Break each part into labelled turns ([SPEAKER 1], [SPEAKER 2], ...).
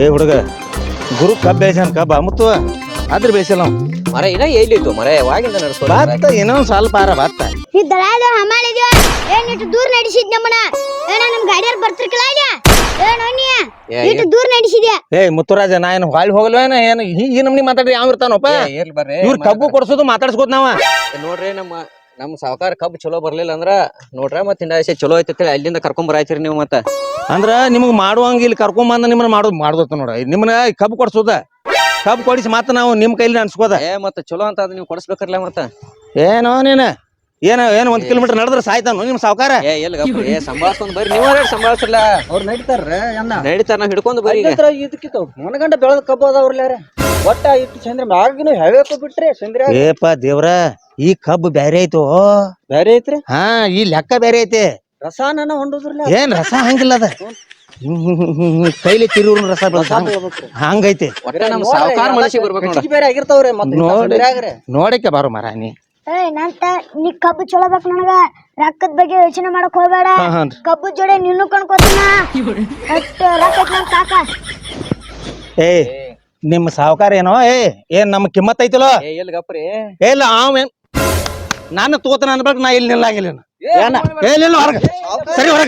[SPEAKER 1] ಏ ಹುಡುಗ ಗುರು ಕಬ್ಬ ಬೇಯ್ಸಾನ ಕಬ್ಬ ಮುತ್ತು ಅದ್ರ ಬೇಯಿಸಲ್ಲ ನಾವು
[SPEAKER 2] ಮರ ಇನ್ನ ಎಲ್ಲಿತ್ತು ಮರ ಯಾವಾಗಿಂದ ನಡೆಸ್ಕೊ
[SPEAKER 1] ಬಾತ್ತ ಇನ್ನೊಂದ್ ಸ್ವಲ್ಪ ಆರ ಬಾತ್ತ
[SPEAKER 3] ಇದ್ದರಾದ ಹಮಾಲಿದ್ಯೋ ಏನಿಟ್ಟು ದೂರ ನಡೆಸಿದ್ ನಮ್ಮನ ಏನ ನಮ್ ಗಾಡಿಯಲ್ಲಿ ಬರ್ತಿರ್ಕಲ್ಲ ಏನೋ ನೀ ಇಟ್ಟು ದೂರ ನಡೆಸಿದ್ಯಾ
[SPEAKER 1] ಏ ಮುತ್ತುರಾಜ ನಾ ಏನು ಹೊಳ್ಳಿ ಹೋಗಲ್ವೇನ ಏನು ಈ ನಮ್ನಿ ಮಾತಾಡ್ರಿ ಯಾವ ಇರ್ತಾನಪ್ಪ
[SPEAKER 2] ಇರ್ಲಿ ಬರ್ರಿ
[SPEAKER 1] ಇವ್ರ ಕಬ್ಬು ಕೊಡ್ಸೋದು ಮಾತಾಡ್ಸ್ಕೋತ ನಾವ
[SPEAKER 2] ನೋಡ್ರಿ ನಮ್ಮ ಸಾವುಕಾರ ಕಬ್ಬು ಚಲೋ ಬರ್ಲಿಲ್ಲ ಅಂದ್ರ ನೋಡ್ರ ಮತ್ ಹಿಂದಾಸೆ ಚಲೋ ಐತಿ ಅಲ್ಲಿಂದ ಕರ್ಕೊಂಡ್ ಬರಾಯ್ತಿರಿ ನೀವು ಮತ್ತ
[SPEAKER 1] ಅಂದ್ರ ನಿಮ್ಗ್ ಮಾಡುವಂಗ ಇಲ್ಲಿ ಕರ್ಕೊಂಡ್ ಬಂದ ನಿಮ್ಮನ್ನ ಮಾಡೋದು ನೋಡ ನಿಮ್ಮನ್ನ ಕಬ್ಬು ಕೊಡ್ಸೋದ ಕಬ್ಬು ಕೊಡಿಸಿ ಮಾತ್ರ ನಾವು ನಿಮ್ ಕೈಲಿ ಅನ್ಸ್ಕೋದ
[SPEAKER 2] ಮತ್ತ ಚಲೋ ಅಂತ ಅದ್ ನೀವು ಕೊಡಿಸ್ಬೇಕರ್ಲ ಮತ್ತ
[SPEAKER 1] ಏನೋ ನೀನ ಏನು 1 ಕಿಲೋಮೀಟರ್ ನಡೆದ್ರ ಸಾಯ್ತಾನು ನಿಮ್ ಸಾವುಕಾರ
[SPEAKER 2] ಸಂಭಾಳ್ಸ್ಕೊಂಡ್ ಬರ್ರಿ ನೀವ ಸಂಭಾಳ್ಸಲ್ಲ
[SPEAKER 4] ಅವ್ರು ನಡೀತಾರ್ರ ಅಣ್ಣ
[SPEAKER 2] ನಡೀತಾರ ನಾವ್ ಹಿಡ್ಕೊಂಡ್ ಬರ್ರಿ
[SPEAKER 4] ಇದಕ್ಕಿತ್ತು ಮನಗಂಡ ಬೆಳೆದ ಕಬ್ಬು ಅದಾವ್ರಲ್ಲಾರ ಒಟ್ಟ ಇಟ್ಟು ಚಂದ್ರ ಆಗಿನ ಹೆವೇಕ ಬಿಟ್ರಿ ಚಂದ್ರ
[SPEAKER 1] ಏಪ ದೇವ್ರ ಈ ಕಬ್ಬು ಬ್ಯಾರೆ ಐತು
[SPEAKER 4] ಬೇರೆ ಐತ್ರಿ
[SPEAKER 1] ಹಾ ಈ ಲೆಕ್ಕ ಬೇರೆ ಐತಿ
[SPEAKER 4] ರಸಾನ ಹೊಂಡುದ್ರಲ್ಲ
[SPEAKER 1] ಏನ್ ರಸ ಹಂಗಿಲ್ಲ ಅದ ಕೈಲಿ ತಿರುವ್ರ ರಸ ಹಂಗೈತಿ
[SPEAKER 2] ಒಟ್ಟ ನಮ್ ಸಾವುಕಾರ ಮನಸ್ಸಿಗೆ ಬರ್ಬೇಕು ನೋಡ
[SPEAKER 4] ಬೇರೆ ಆಗಿರ್ತಾವ್ರಿ ಮತ್ತೆ
[SPEAKER 1] ನೋಡಕ್ಕೆ ಬಾರೋ ಮರ ನೀ
[SPEAKER 3] ನಂತ ನೀ ಕಬ್ಬು ಚಲೋ ಬೇಕು ನನಗ ರೊಕ್ಕದ ಬಗ್ಗೆ ಯೋಚನೆ ಮಾಡಕ್ ಹೋಗ್ಬೇಡ ಕಬ್ಬು ಜೋಡಿ ನಿನ್ನೂ ಕಣ್ಕೋತೀನ ರೊಕ್ಕ ಐತ್ ನನ್ ಕಾಕ
[SPEAKER 1] ಏ ನಿಮ್ ಸಾವುಕಾರ ಏನೋ ಏನ್ ನಮ್ ಕಿಮ್ಮತ್ ಐತಿಲೋ
[SPEAKER 2] ಎಲ್ಲಿ ಗಪ್ರಿ
[SPEAKER 1] ಇಲ್ಲ ಅವೇನ್ ನಾನು ತೋತನ ಅನ್ಬೇಕು ನಾ ಇಲ್ಲಿ ನಿಲ್ಲಾಗಿಲ್ಲ ಏನಿಲ್ಲ ಹೊರಗ ಸರಿ ಹೊರಗ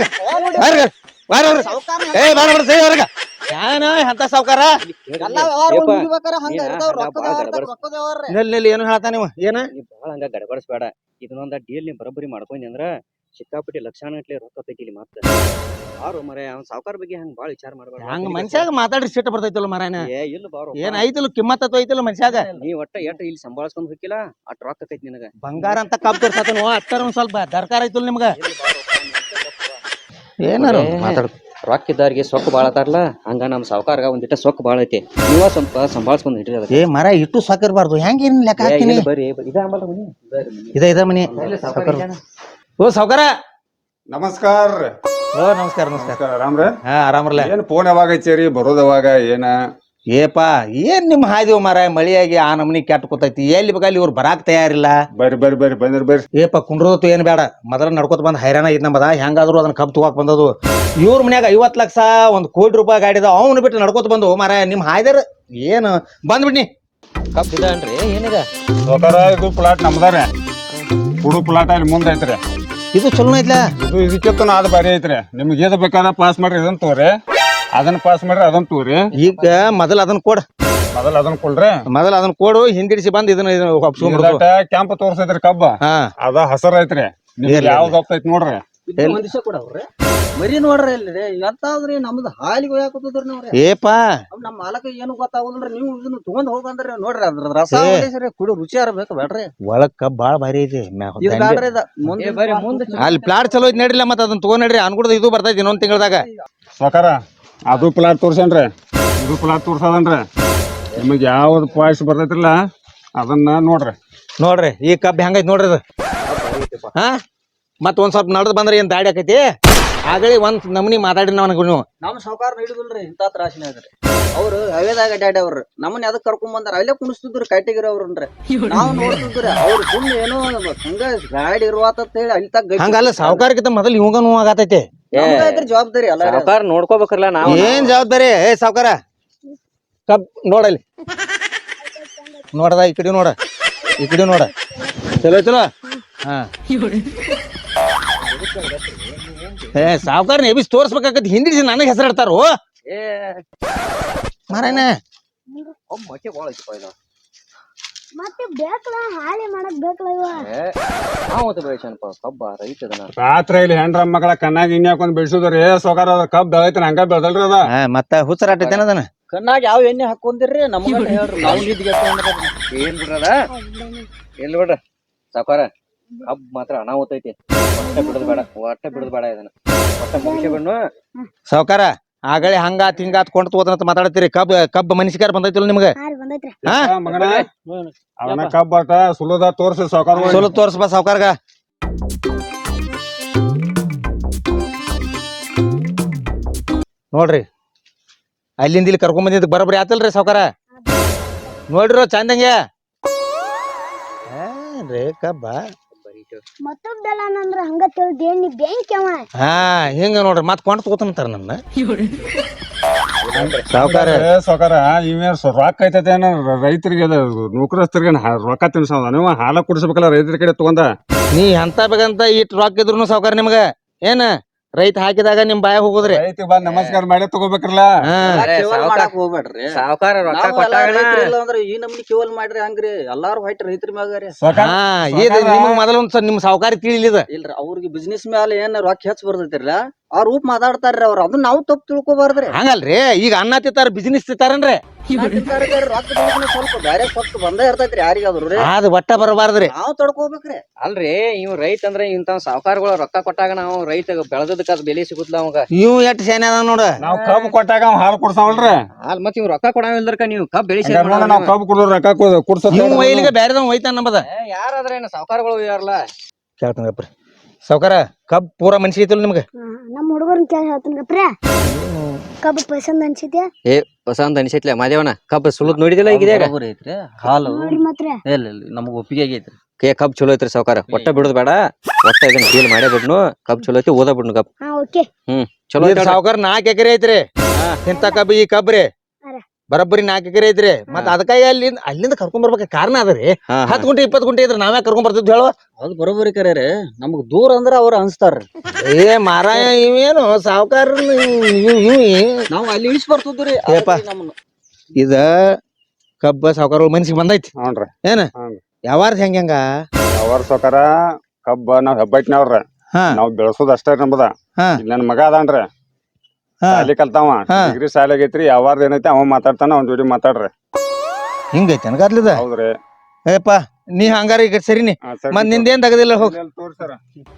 [SPEAKER 1] ಏ ಬಾರ ಸರಿ ಹೊರಗ ಏನ ಅಂತ ಸಾವುಕಾರ ಏನು ಹೇಳ್ತಾ ನೀವು ಏನ
[SPEAKER 2] ಬಾಳ ಹಂಗ ಗಡಬಡಿಸ್ಬೇಡ ಇದನ್ನೊಂದ ಡೀಲ್ ನೀವ್ ಬರೋಬ್ಬರಿ ಮಾಡ್ಕೊಂಡಿ ಅಂದ್ರ ಸಿಕ್ಕಾಪಟ್ಟಿ ಲಕ್ಷಾನ ಗಟ್ಲೆ ರೊಕ್ಕ ತೆಗಿಲಿ ಮತ್ತ ಬಾರು ಮರ ಅವ್ನ ಸಾವುಕಾರ ಬಗ್ಗೆ ಹಂಗ ಬಾಳ ವಿಚಾರ ಮಾಡ್ಬೇಡ
[SPEAKER 1] ಹಂಗ ಮನ್ಷ್ಯಾಗ ಮಾತಾಡಿ ಸಿಟ್ಟು ಬರ್ತೈತಲ್ಲ ಮರಾಯನ
[SPEAKER 2] ಇಲ್ಲ ಬಾರು
[SPEAKER 1] ಏನ್ ಐತಲ್ಲ ಕಿಮ್ಮತ್ ಐತಲ್ಲ ಮನ್ಷ್ಯಾಗ
[SPEAKER 2] ನೀ ಒಟ್ಟ ಇಲ್ಲಿ ಸಂಭಾಳ್ಸ್ಕೊಂಡ್ ಹೋಗಿಲ್ಲ ಅಟ್ ರೊಕ್ಕ ಆಕೈತಿ ನಿನಗ
[SPEAKER 1] ಬಂಗಾರ ಅಂತ ಕಬ್ಬು ತೋರ್ಸತನ ಅಟ್ಟಾರ ಒಂದ್ ಸ್ವಲ್ಪ ದರ್ಕಾರ ಐತಲ್ಲ ನಿಮ್ಗ ಏನಾರ ಮಾತಾಡ
[SPEAKER 2] ರೊಕ್ಕ ಇದ್ದಾರಿಗೆ ಸೊಕ್ಕ ಬಾಳ ಅದಾರಲ್ಲ ಹಂಗ ನಮ್ ಸಾವುಕಾರ್ಗ ಒಂದಿಟ್ಟ ಸೊಕ್ಕ ಬಾಳ ಐತಿ ನೀವ ಸ್ವಲ್ಪ ಸಂಭಾಳ್ಸ್ಕೊಂಡ್ ಇಟ್ರಿ
[SPEAKER 1] ಏ ಮರ ಇಟ್ಟು ಸಾಕಿರ್ಬಾರ್ದು ಹೆಂಗ ಏನ್ ಲೆಕ್ಕ ಹಾಕ್ತೀನಿ
[SPEAKER 2] ಬರ್ರಿ
[SPEAKER 1] ಇದ ಮನಿ ಓ ಸಾವುಕಾರ
[SPEAKER 5] ನಮಸ್ಕಾರ
[SPEAKER 1] ಓ ನಮಸ್ಕಾರ ನಮಸ್ಕಾರ
[SPEAKER 5] ಆರಾಮ್ರ
[SPEAKER 1] ಹಾ ಆರಾಮರ್ಲ
[SPEAKER 5] ಏನ್ ಫೋನ್ ಯಾವಾಗ ಹಚ್ಚೇರಿ ಬರೋದವಾಗ ಏನ
[SPEAKER 1] ಏಪಾ ಏನ್ ನಿಮ್ ಹಾದಿವ್ ಮರ ಮಳಿಯಾಗಿ ಆ ನಮ್ನಿ ಕೆಟ್ಟ ಕೂತೈತಿ ಎಲ್ಲಿ ಬೇಕಾಲಿ ಇವ್ರು ಬರಾಕ್ ತಯಾರಿಲ್ಲ
[SPEAKER 5] ಬರ್ರಿ ಬಂದ್ರಿ
[SPEAKER 1] ಏಪ ಕುಂಡ್ರದತ್ತು ಏನ್ ಬೇಡ ಮೊದಲ ನಡ್ಕೋತ ಬಂದ್ ಹೈರಾಣ ಇದ್ ನಮ್ಮದ ಹೆಂಗಾದ್ರು ಅದನ್ನ ಕಬ್ಬು ತಗೋಕ್ ಬಂದದು ಇವ್ರ ಮನ್ಯಾಗ 50 ಲಕ್ಷ 1 ಕೋಟಿ ರೂಪಾಯಿ ಗಾಡಿದ ಅವ್ನು ಬಿಟ್ಟು ನಡ್ಕೋತ ಬಂದು ಮರ ನಿಮ್ ಹಾಯ್ದಾರ ಏನು ಬಂದ್ಬಿಡ್ನಿ
[SPEAKER 2] ಕಪ್ ಇದನ್ರಿ ಏನಿದೆ
[SPEAKER 5] ಸೋಕಾರ ಇದು ಪ್ಲಾಟ್ ನಮ್ದಾರ ಹುಡು ಪ್ಲಾಟ್ ಅಲ್ಲಿ ಮುಂದೆ ಐತ್ರಿ
[SPEAKER 1] ಇದು ಚಲೋ ಐತ್ಲಾ
[SPEAKER 5] ಇದು ಇದಕ್ಕಿಂತ ಅದ್ ಬಾರಿ ಐತ್ರಿ ನಿಮ್ಗೆ ಏದ ಬೇಕಾದ ಪಾಸ್ ಮಾಡ್ರಿ ಇದನ್ನ ತೋರಿ ಅದನ್ನ ಪಾಸ್ ಮಾಡ್ರಿ ಅದನ್ನ ತೋರಿ
[SPEAKER 1] ಈಗ ಮೊದಲ ಅದನ್ನ ಕೊಡ
[SPEAKER 5] ಮೊದಲ ಅದನ್ನ ಕೊಡ್ರಿ
[SPEAKER 1] ಮೊದಲ ಅದನ್ನ ಕೊಡು ಹಿಂದಿಡಿಸಿ ಬಂದ್ ಇದನ್ನ
[SPEAKER 5] ಕ್ಯಾಂಪ್ ತೋರ್ಸೈತ್ರಿ ಕಬ್ಬ
[SPEAKER 1] ಹಾ
[SPEAKER 5] ಅದ ಹಸರ ಐತ್ರಿ ನಿಮ್ಗೆ ಯಾವ್ದು ಹೋಗ್ತೈತಿ ನೋಡ್ರಿ
[SPEAKER 4] ಒಂದಿವ್ಸ ಕೊಡವ್ರಿ ಮರಿ ನೋಡ್ರಿ ಇಲ್ಲಿ ಎಂತಾದ್ರಿ ನಮ್ದು ಹಾಲಿಗೆ ಹೋಯಾಕತ್ತದ್ರಿ ನೋಡ್ರಿ
[SPEAKER 1] ಏಪಾ
[SPEAKER 4] ನಮ್ಮ ಮಾಲಕ ಏನು ಗೊತ್ತಾಗುದಿಲ್ರಿ ನೀವು ಇದನ್ನ ತಗೊಂಡ್ ಹೋಗಂದ್ರಿ ನೋಡ್ರಿ ಅದ್ರ ರಸ ಹೊಡಿಸ್ರಿ ಕುಡಿ ರುಚಿ ಬೇಕು ಬೇಡ್ರಿ
[SPEAKER 1] ಒಳಗ್ ಕಬ್ಬ ಬಾಳ ಭಾರಿ ಐತಿ
[SPEAKER 4] ಇದು ಬೇಡ್ರಿ ಮುಂದೆ
[SPEAKER 1] ಅಲ್ಲಿ ಪ್ಲಾಟ್ ಚಲೋ ಐತಿ ನಡಿಲ್ಲ ಮತ್ತ ಅದನ್ನ ತಗೊಂಡ್ ನಡ್ರಿ ಅನ್ಕೊಡ್ದ ಇದು ಬರ್ತೈತಿ ಇನ್ನೊಂದ್ ತಿಂಗಳದಾಗ
[SPEAKER 5] ಸೋಕಾರ ಅದು ಪ್ಲಾಟ್ ತೋರ್ಸೇನ್ರಿ ಇದು ಪ್ಲಾಟ್ ತೋರ್ಸದನ್ರಿ ನಿಮಗೆ ಯಾವ್ದು ಪಾಯ್ಸ್ ಬರ್ತೈತ್ರಲ್ಲ ಅದನ್ನ ನೋಡ್ರಿ
[SPEAKER 1] ಈ ಕಬ್ಬ ಹೆಂಗೈತಿ ನೋಡ್ರಿ ಅದು ಹಾ ಮತ್ ಒಂದ್ ಸ್ವಲ್ಪ ನಡ್ದ್ ಬಂದ್ರೆ ಏನ್ ದಾಡಿ ಆಕೈತಿ ಆಗಲಿ ಒಂದ್ ನಮ್ನಿ ಮಾತಾಡಿ ನೀವು
[SPEAKER 4] ನಮ್ ಸಾವುಕಾರ ಹಿಡಿದಿಲ್ರಿ ಇಂತ ತ್ರಾಸಿನಾಗ್ರಿ ಅವ್ರು ಹವೇದಾಗ ಅಡ್ಡಾಡಿ ಅವ್ರು ನಮ್ಮನ್ನ ಅದಕ್ಕೆ ಕರ್ಕೊಂಡ್ ಬಂದಾರ ಅಲ್ಲೇ ಕುಣಿಸ್ತಿದ್ರು ಕಟ್ಟಿಗಿರಿ ಅವ್ರನ್ರಿ ನಾವ್ ನೋಡ್ತಿದ್ರಿ ಅವ್ರು ಸುಮ್ಮನೆ ಏನೋ ಹಂಗ ಗಾಡಿ ಇರುವಾತ ಹೇಳಿ ಅಲ್ಲಿ ತಗ
[SPEAKER 1] ಹಂಗಲ್ಲ ಸಾವುಕಾರಕ್ಕಿಂತ ಮೊದಲು ಇವಾಗ ನೋವು ಆಗತೈತಿ
[SPEAKER 4] ಜವಾಬ್ದಾರಿ ಅಲ್ಲ
[SPEAKER 2] ಸಾವುಕಾರ ನೋಡ್ಕೋಬೇಕಲ್ಲ ನಾವು
[SPEAKER 1] ಏನ್ ಜವಾಬ್ದಾರಿ ಸಾವುಕಾರ ಕಬ್ ನೋಡಲ್ಲಿ ನೋಡದ ಈ ಕಡೆ ನೋಡ ಚಲೋ ಹಾ ಸಾವುಕಾರ ಎಬಿಸ್ ತೋರ್ಸ್ಬೇಕಾಗತ್ ಹಿಂದಿಸಿ ನನಗೆ ಹೆಸರು ಇಡ್ತಾರೋ ಮಾರಾಯಣ
[SPEAKER 3] ಮತ್ತೆ ಬೇಕಲ್ಲ ಹಾಳಿ ಮಾಡಕ್ ಬೇಕಲ್ಲ
[SPEAKER 2] ಕಬ್ಬ ರೈತದನ
[SPEAKER 5] ರಾತ್ರಿ ಇಲ್ಲಿ ಹೆಣ್ರ ಮಗಳ ಕಣ್ಣಾಗ ಇನ್ ಹಾಕೊಂಡ್ ಬೆಳ್ಸುದ್ರಿ ಸೋಕಾರ ಅದ ಕಬ್ ಬೆಳೈತಿ ಹಂಗ ಬೆಳ್ದಲ್ರಿ ಅದ
[SPEAKER 1] ಮತ್ತ ಹುಚ್ಚರಾಟೈತೇನದನ
[SPEAKER 4] ಕಣ್ಣಾಗ ಯಾವ ಎಣ್ಣೆ ಹಾಕೊಂಡಿರ್ರಿ ನಮ್ಗ ಹೇಳ್ರಿ ನಾವು ನಿದ್ಗೆ
[SPEAKER 2] ಏನ್ ಬಿಡ್ರದ ಎಲ್ಲಿ ಬಿಡ್ರ ಸಾವುಕಾರ ಕಬ್ ಮಾತ್ರ ಅನಾಹುತ ಐತಿ ಒಟ್ಟ ಬಿಡದ್ ಬೇಡ ಇದನ್ನ ಒಟ್ಟ ಮುಗಿಸಿ ಬಿಡ್ನು
[SPEAKER 1] ಸಾವುಕಾರ ಆಗಲೇ ಹಂಗಾತ್ ಹಿಂಗಾತ್ ಕೊಂಡ್ ತಗೋದಂತ ಮಾತಾಡತ್ತೀರಿ ಕಬ್ಬ ಮನುಷ್ಯಕಾರ ಬಂದೈತಿಲ್ಲ ನಿಮ್ಗೆ
[SPEAKER 3] ಬಂದೈತ್ರಿ
[SPEAKER 5] ಮಗನ ಅವನ ಕಬ್ ಆಟ ಸುಲದ ತೋರ್ಸಿ ಸೋಕಾರ
[SPEAKER 1] ಸುಲು ತೋರ್ಸ್ಬಾ ಸಾವುಕಾರ್ಗ ನೋಡ್ರಿ ಅಲ್ಲಿಂದ ಇಲ್ಲಿ ಕರ್ಕೊಂಡ್ ಬಂದಿದ್ ಬರೋಬ್ರಿ ಆತಲ್ರಿ ಸಾವುಕಾರ ನೋಡ್ರಿ ಚಂದಂಗೆ ರೇ ಕಬ್ಬ
[SPEAKER 3] ಮತ್ತೊಬ್ಬಲ್ಲ ನಂದ್ರ ಹಂಗ ತಿಳಿದೇನ್ ನೀ ಬ್ಯಾಂಕ್ ಅವ
[SPEAKER 1] ಹಾ ಹಿಂಗ ನೋಡ್ರಿ ಮತ್ ಕೊಂಡ್ ತಗೋತಾನಂತಾರ ನನ್ನ ಸಾವ್ಕಾರ
[SPEAKER 5] ಸಾವ್ಕಾರ ಇವೇನ್ ರೊಕ್ಕ ಐತೈತೆ ಏನೋ ರೈತರಿಗೆ ನೌಕರಸ್ಥರಿಗೆ ರೊಕ್ಕ ತಿನ್ಸೋದ ನೀವು ಹಾಲ ಕುಡಿಸ್ಬೇಕಲ್ಲ ರೈತರ ಕಡೆ ತಗೊಂಡ
[SPEAKER 1] ನೀ ಎಂತ ಬೇಕಂತ ಇಟ್ ರೊಕ್ಕ ಇದ್ರು ಸಾವ್ಕಾರ ನಿಮ್ಗ ಏನ ರೈತ ಹಾಕಿದಾಗ ನಿಮ್ ಬಾಯ ಹೋಗುದ್ರಿ
[SPEAKER 5] ರೈತ ಬಂದ್ ನಮಸ್ಕಾರ ಮಾಡಿ ತಗೋಬೇಕ್ರಲ್ಲ
[SPEAKER 1] ಹಾ
[SPEAKER 4] ಕೇವಲ ಮಾಡಕ್ ಹೋಗ್ಬೇಡ್ರಿ
[SPEAKER 2] ಸಾವುಕಾರ ರೊಕ್ಕ
[SPEAKER 4] ನಾವ್ ಎಲ್ಲಾ
[SPEAKER 2] ಕೊಟ್ಟಾಗ
[SPEAKER 4] ರೈತ್ರು ಇಲ್ಲ ಅಂದ್ರ ಈ ನಮ್ನಿ ಕೇವಲ್ ಮಾಡ್ರಿ ಹಂಗ್ರಿ ಎಲ್ಲಾರು ಹೊಯ್ಟ್ ರೈತರ ಮ್ಯಾಗ ರೀ
[SPEAKER 5] ಸಾವ್ಕಾರ
[SPEAKER 1] ಹಾ ಇದು ನಿಮಗ್ ಮೊದಲ ಒಂದ್ ನಿಮ್ ಸಾವ್ಕಾರಿ ತಿಳಿಲಿದ
[SPEAKER 4] ಇಲ್ರಿ ಅವ್ರಿಗೆ ಬಿಸ್ನೆಸ್ ಮ್ಯಾಲ ಏನ್ ರೊಕ್ಕ ಹೆಚ್ಚ ಬರ್ತೈತಿರ್ಲ ಅವ್ರ ರೂಪ್ ಮಾತಾಡ್ತಾರ್ರಿ ಅವ್ರ ಅದನ್ನ ನಾವು ತಪ್ಪು ತಿಳ್ಕೊಬಾರ್ದ್ರಿ
[SPEAKER 1] ಹಂಗಲ್ರಿ ಈಗ ಅನ್ನ ತಿಂತಾರ ಬಿಸಿನೆಸ್ ತಿಂತಾರನ್ರಿ
[SPEAKER 4] ರೊಕ್ಕ ಸ್ವಲ್ಪ ಬ್ಯಾರೆ ಸ್ವತ್ತು ಬಂದೇ ಇರ್ತೈತ್ರಿ ಯಾರಿಗಾದ್ರು ರೀ
[SPEAKER 1] ಅದ್ ಒಟ್ಟ ಬರಬಾರ್ದ್ರಿ
[SPEAKER 4] ನಾವ್ ತಡ್ಕೋಬೇಕ್ರಿ
[SPEAKER 2] ಅಲ್ರಿ ಇವ್ ರೈತ ಅಂದ್ರೆ ಇಂತ ಸಾವುಕಾರಗಳು ರೊಕ್ಕ ಕೊಟ್ಟಾಗ ನಾವು ರೈತ ಬೆಳೆದಕ್ಕ ಅದ್ ಬೆಲೆ ಸಿಗುತ್ತಲ್ಲ ಅವಾಗ
[SPEAKER 1] ಇವ್ ಎಷ್ಟ್ ಶಾನೆ ಅದ ನೋಡ
[SPEAKER 5] ನಾವ್ ಕಬ್ಬು ಕೊಟ್ಟಾಗ ಅವ್ ಹಾಲು ಕುಡ್ಸಾವಲ್ರಿ
[SPEAKER 2] ಅಲ್ ಮತ್ ಇವ್ ರೊಕ್ಕ ಕೊಡಂಗಿಲ್ದರ್ಕ ನೀವು ಕಬ್ ಬೆಳೆಸಿ
[SPEAKER 5] ನಾವ್ ಕಬ್ಬು ಕುಡಿದ್ರು ರೊಕ್ಕ ಕುಡ್ಸೋದ್
[SPEAKER 1] ಇವ್ ವೈಲಿಗೆ ಬ್ಯಾರೆದವ್ ಹೋಯ್ತಾನ ನಂಬದ
[SPEAKER 2] ಯಾರಾದ್ರೆ ಏನು ಸಾವುಕಾರಗಳು ಯಾರಲ್ಲ
[SPEAKER 1] ಕೇಳ್ತಂಗಪ್ರಿ ಸಾವ್ಕಾರ ಕಬ್ ಪೂರಾ ಮನ್ಸಿ ಐತಿಲ್ ನಿಮ್ಗ
[SPEAKER 3] ನಮ್ಮ ಹುಡುಗರ್ನ ಕೇಳಿ ಹೇಳ್ತೀನಿ ಗಪ್ರ ಕಬ್ಬು ಪಸಂದ್ ಅನ್ಸಿದ್ಯಾ
[SPEAKER 2] ಏ ಹೊಸ ಅಂತ ಅನಿಸೈತ್ಲೆ ಮಾದೇವನ ಕಬ್ ಸುಲದ್ ನೋಡಿದಿಲ್ಲ ಈಗ
[SPEAKER 4] ಬರೋಬ್ಬರಿ ಐತ್ರಿ ಹಾಲು
[SPEAKER 3] ನೋಡ್ರಿ ಮಾತ್ರ
[SPEAKER 4] ಇಲ್ಲ ನಮಗ್ ಒಪ್ಪಿಗೆ ಆಗೈತ್ರಿ
[SPEAKER 2] ಕಬ್ ಚಲೋ ಐತ್ರಿ ಸಾವುಕಾರ ಒಟ್ಟ ಬಿಡುದ್ ಬೇಡ ಒಟ್ಟ ಇದನ್ನ ಡೀಲ್ ಮಾಡೇ ಬಿಡ್ನು ಕಬ್ ಚಲೋ ಐತಿ ಓದ ಬಿಡ್ನು ಕಬ್
[SPEAKER 3] ಹಾ ಓಕೆ
[SPEAKER 2] ಚಲೋ ಐತಿ
[SPEAKER 1] ಸಾವ್ಕಾರ 4 ಎಕರೆ ಐತ್ರಿ ಇಂತ ಕಬ್ ಈ ಕಬ್ರಿ ಬರಬ್ಬರಿ 4 ಎಕರೆ ಐತ್ರಿ ಮತ್ ಅದಕ್ಕಾಗಿ ಅಲ್ಲಿಂದ ಕರ್ಕೊಂಡ್ ಬರ್ಬೇಕ ಕಾರಣ ಅದರಿ 10 ಗುಂಟೆ 20 ಗುಂಟೆ ಇದ್ರ ನಾವೇ ಕರ್ಕೊಂಡ್ ಬರ್ತಿದ್ವಿ ಹೇಳು
[SPEAKER 4] ಅದು ಬರೋಬ್ಬರಿ ಕರೆ ರೀ ನಮಗ್ ದೂರ ಅಂದ್ರ ಅವ್ರ ಅನ್ಸ್ತಾರ್ರಿ
[SPEAKER 1] ಏ ಮಾರಾಯ ಇವೇನು ಸಾವ್ಕಾರ
[SPEAKER 4] ನಾವ್ ಅಲ್ಲಿ ಇಳಿಸ್ ಬರ್ತಿದ್ವಿ
[SPEAKER 1] ಏಪ್ಪ. ಇದ ಕಬ್ಬ ಸಾವ್ಕಾರ ಮನ್ಸಿಗೆ ಬಂದೈತಿ
[SPEAKER 5] ಹ್ಞೂನ್ರಿ
[SPEAKER 1] ಏನ
[SPEAKER 5] ಹ್ಞೂ
[SPEAKER 1] ಯಾವಾರ್ದ ಹೆಂಗ
[SPEAKER 5] ಅವ್ರ ಸಾವ್ಕಾರ ಕಬ್ಬ ನಾವ್ ಹೆಬ್ಬಟ್ಟಿನವ್ರ
[SPEAKER 1] ಹಾ
[SPEAKER 5] ನಾವ್ ಬೆಳ್ಸೋದ್ ಅಷ್ಟೇ ನಮ್ದ
[SPEAKER 1] ಹಾ
[SPEAKER 5] ಇಲ್ಲಿ ನನ್ ಮಗ ಅದಾನ್ರಿ
[SPEAKER 1] ಹಾ
[SPEAKER 5] ಸಾಲಿ ಕಲ್ತಾವ
[SPEAKER 1] ಹಾ.
[SPEAKER 5] ಡಿಗ್ರಿ ಸಾಲಿ ಆಗೈತ್ರಿ ಯಾವಾರ್ದ ಏನೈತಿ ಅವ ಮಾತಾಡ್ತಾನ ಅವ್ನ ಜೋಡಿ ಮಾತಾಡ್ರಿ
[SPEAKER 1] ಹಿಂಗೈತಿ ಅನ್ಗಾದ್ಲಿದ
[SPEAKER 5] ಹೌದ್ರಿ
[SPEAKER 1] ಏಪ್ಪ ನೀ ಹಂಗಾರ ಈಗ ಸರಿನಿ
[SPEAKER 5] ಹಾ, ಸರಿ
[SPEAKER 1] ಮತ್ ನಿಂದೇನ್ ತಗದಿಲ್ಲ ಹೋಗ್
[SPEAKER 5] ತೋರ್ಸರ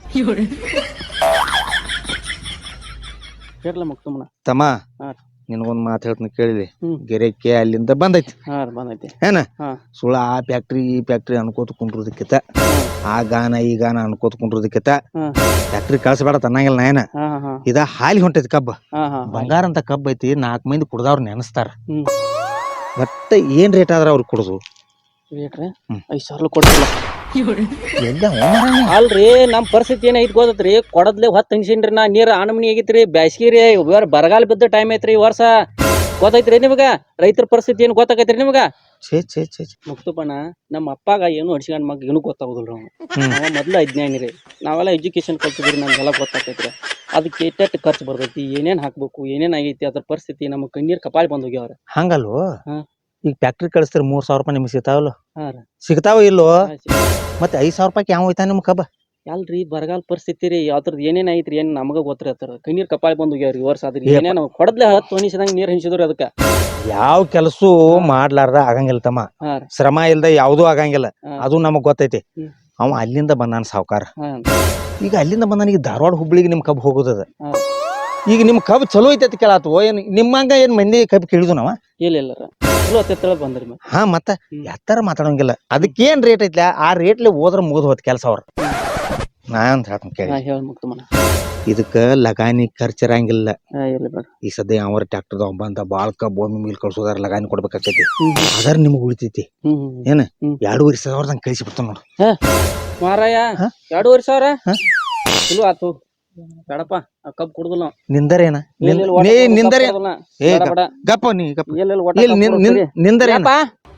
[SPEAKER 4] ಕೇರ್ಲ ಮುಕ್ತಮ್ಮನ
[SPEAKER 1] ತಮ್ಮ
[SPEAKER 4] ಹಾ.
[SPEAKER 1] ನಿನಗೊಂದ್ ಮಾತು ಹೇಳ್ತೀನಿ ಕೇಳಿಲಿ
[SPEAKER 4] ಹ್ಮ್.
[SPEAKER 1] ಗೆರೆಕ್ಕೆ ಅಲ್ಲಿಂದ ಬಂದೈತಿ
[SPEAKER 4] ಹಾ ಬಂದೈತಿ
[SPEAKER 1] ಏನ
[SPEAKER 4] ಹಾ.
[SPEAKER 1] ಸುಳ ಆ ಫ್ಯಾಕ್ಟ್ರಿ ಈ ಫ್ಯಾಕ್ಟ್ರಿ ಅನ್ಕೋತ ಕುಂಡ್ರದಕ್ಕಿತ ಆ ಗಾನ ಈ ಗಾನ ಅನ್ಕೋತ ಕುಂಡ್ರದಕ್ಕಿತ
[SPEAKER 4] ಹಾ.
[SPEAKER 1] ಫ್ಯಾಕ್ಟ್ರಿ ಕಳ್ಸಬೇಡ ತನ್ನಂಗಿಲ್ಲ ನಾಯನ
[SPEAKER 4] ಹಾ ಹಾ
[SPEAKER 1] ಇದ ಹಾಲಿ ಹೊಂಟೈತಿ ಕಬ್ಬ
[SPEAKER 4] ಹಾ ಹಾ
[SPEAKER 1] ಬಂಗಾರ ಅಂತ ಕಬ್ಬ ಐತಿ 4 ಮಂದಿ ಕುಡ್ದವ್ರ ನೆನಸ್ತಾರ
[SPEAKER 4] ಹ್ಮ್.
[SPEAKER 1] ಒಟ್ಟ ಏನ್ ರೇಟ್ ಆದ್ರ ಅವ್ರಿಗೆ ಕುಡ್ದು
[SPEAKER 4] ರೇಟ್ರಿ
[SPEAKER 1] ಹ್ಮ್.
[SPEAKER 4] 5,000 ಕೊಡ್ತಿಲ್ಲ
[SPEAKER 1] ಎಲ್ಲ ಹೋಮರಾಣಿ.
[SPEAKER 4] ಅಲ್ರಿ ನಮ್ ಪರಿಸ್ಥಿತಿ ಏನೈತಿ ಗೊತ್ತೈತ್ರಿ ಕೊಡದ್ಲೆ ಹೊತ್ತು ತನ್ಸಿನ್ರಿ ನಾ ನೀರ್ ಆನಮನಿ ಆಗೈತ್ರಿ ಬ್ಯಾಸ್ಗಿ ರೀ ಬರಗಾಲ ಬಿದ್ದ ಟೈಮ್ ಐತ್ರಿ ಈ ವರ್ಷ ಗೊತ್ತೈತ್ರಿ ನಿಮಗ ರೈತರ ಪರಿಸ್ಥಿತಿ ಏನ್ ಗೊತ್ತಾಗೈತ್ರಿ ನಿಮಗ
[SPEAKER 1] ಛೇ ಛೇ ಛೇ ಛೇ.
[SPEAKER 4] ಮುಕ್ತಪ್ಪನ ನಮ್ಮ ಅಪ್ಪಾಗ ಏನು ಅಡ್ಸ್ಕೊಂಡ್ ಮಗ ಏನು ಗೊತ್ತಾಗುದಿಲ್ರಿ ಅವ ಮೊದ್ಲು ಅಜ್ಞಾನಿ ರೀ ನಾವೆಲ್ಲ ಎಜುಕೇಶನ್ ಕಲ್ತಿದ್ರಿ ನಮ್ಗೆಲ್ಲ ಗೊತ್ತಾಗೈತ್ರಿ ಅದಕ್ಕೆ ಎಟ್ಟೆಟ್ಟು ಖರ್ಚು ಬರ್ತೈತಿ ಏನೇನ್ ಹಾಕ್ಬೇಕು ಏನೇನ್ ಆಗೈತಿ ಅದ್ರ ಪರಿಸ್ಥಿತಿ ನಮ್ಮ ಕಣ್ಣೀರ್ ಕಪಾಳಿ ಬಂದ್ ಹೋಗ್ಯಾವ್ರ
[SPEAKER 1] ಹಂಗಲ್ವೋ
[SPEAKER 4] ಹಾ.
[SPEAKER 1] ಈಗ ಫ್ಯಾಕ್ಟ್ರಿ ಕಳಿಸ್ತೀರಿ 3,000 ರೂಪಾಯಿ ನಿಮ್ಗೆ ಸಿಗ್ತಾವಲ್ಲ
[SPEAKER 4] ಹಾ ರೀ
[SPEAKER 1] ಸಿಗ್ತಾವ ಇಲ್ಲೋ ಮತ್ತೆ 5,000 ರೂಪಾಯಿ ಯಾವ ಹೋಯ್ತಾ ನಿಮ್ ಕಬ್ಬ
[SPEAKER 4] ಅಲ್ರಿ ಬರಗಾಲ ಪರಿಸ್ಥಿತಿ ರೀ ಅದ್ರದ್ದು ಏನೇನ್ ಐತ್ರಿ ಏನ್ ನಮಗ ಗೊತ್ತಿರ ಕಣ್ಣೀರ್ ಕಪಾಳಿ ಬಂದ್ ಹೋಗ್ಯಾವ್ರಿ ಈ ವರ್ಷ ಅದ್ರ ಏನೇನು ಕೊಡದ್ಲೆ 10 ಹನಿಸಿದಂಗ ನೀರ್ ಹನಿಸಿದ್ರಿ ಅದಕ್ಕ
[SPEAKER 1] ಯಾವ ಕೆಲಸ ಮಾಡ್ಲಾರ್ದ ಆಗಂಗಿಲ್ಲ ತಮ್ಮ
[SPEAKER 4] ಹಾ ರೀ
[SPEAKER 1] ಶ್ರಮ ಇಲ್ದ ಯಾವ್ದೂ ಆಗಂಗಿಲ್ಲ
[SPEAKER 4] ಹಾ.
[SPEAKER 1] ಅದು ನಮಗ್ ಗೊತ್ತೈತಿ
[SPEAKER 4] ಹ್ಮ್.
[SPEAKER 1] ಅವ ಅಲ್ಲಿಂದ ಬಂದಾನ ಸಾವ್ಕಾರ
[SPEAKER 4] ಹಾ
[SPEAKER 1] ಈಗ ಅಲ್ಲಿಂದ ಬಂದಾನ ಈಗ ಧಾರವಾಡ ಹುಬ್ಳಿಗೆ ನಿಮ್ ಕಬ್ಬು ಹೋಗೋದದ
[SPEAKER 4] ಹಾ.
[SPEAKER 1] ಈಗ ನಿಮ್ ಕಬ್ಬು ಚಲೋ ಐತಿ ಅಂತ ಕೇಳಾತು ಏನ್ ನಿಮ್ಮಂಗ ಏನ್ ಮಂದಿ ಕಬ್ಬು ಕೇಳಿದ್ವು ನಾವ
[SPEAKER 4] ಇಲ್ಲ ಚಲೋ ಹತ್ತಿರ ಬಂದ್ರಿ ಮತ್ತೆ
[SPEAKER 1] ಹಾ ಮತ್ತ ಎತ್ತರ ಮಾತಾಡಂಗಿಲ್ಲ ಅದಕ್ಕೇನ್ ರೇಟ್ ಐತ್ಲ ಆ ರೇಟ್ಲೆ ಹೋದ್ರ ಮುಗಿದ್ ಹೋತ್ ಕೆಲಸ ಅವ್ರ ನಾ ಅಂತ ಹೇಳ್ತೀನಿ ಕೇಳಿ
[SPEAKER 4] ಹಾ ಹೇಳ ಮುಕ್ತಮ್ಮನ
[SPEAKER 1] ಇದಕ್ಕ ಲಗಾನಿ ಖರ್ಚಿರಂಗಿಲ್ಲ
[SPEAKER 4] ಹಾ ಇಲ್ಲ ಬೇಡ
[SPEAKER 1] ಈ ಸದ್ಯ ಅವ್ರ ಟ್ರ್ಯಾಕ್ಟರ್ ಬಂದ ಬಾಳ್ ಕಬ್ಬು ಒಮ್ಮೆ ಮೀಲ್ ಕಳ್ಸೋದಾರ ಲಗಾನಿ ಕೊಡ್ಬೇಕಾಕೈತಿ ಅದರ ನಿಮ್ಗೆ ಉಳಿತೈತಿ ಏನ 2,500 ಕಳಿಸಿ ಬಿಡ್ತಾನ ನೋಡು
[SPEAKER 4] ಮಾರಾಯ
[SPEAKER 1] ಹಾ?
[SPEAKER 4] 2,500
[SPEAKER 1] ಹಾ?
[SPEAKER 4] ಚಲೋ ಆತು ಬೇಡಪ್ಪ ಆ ಕಬ್ಬ್ ಕುಡ್ದಲ್ಲ
[SPEAKER 1] ನಿಂದರೇನ ನಿಂದರೇನ ಏ ಗಪ್ಪ ನೀ ಗಪ್ಪ ನಿಂದರೇನ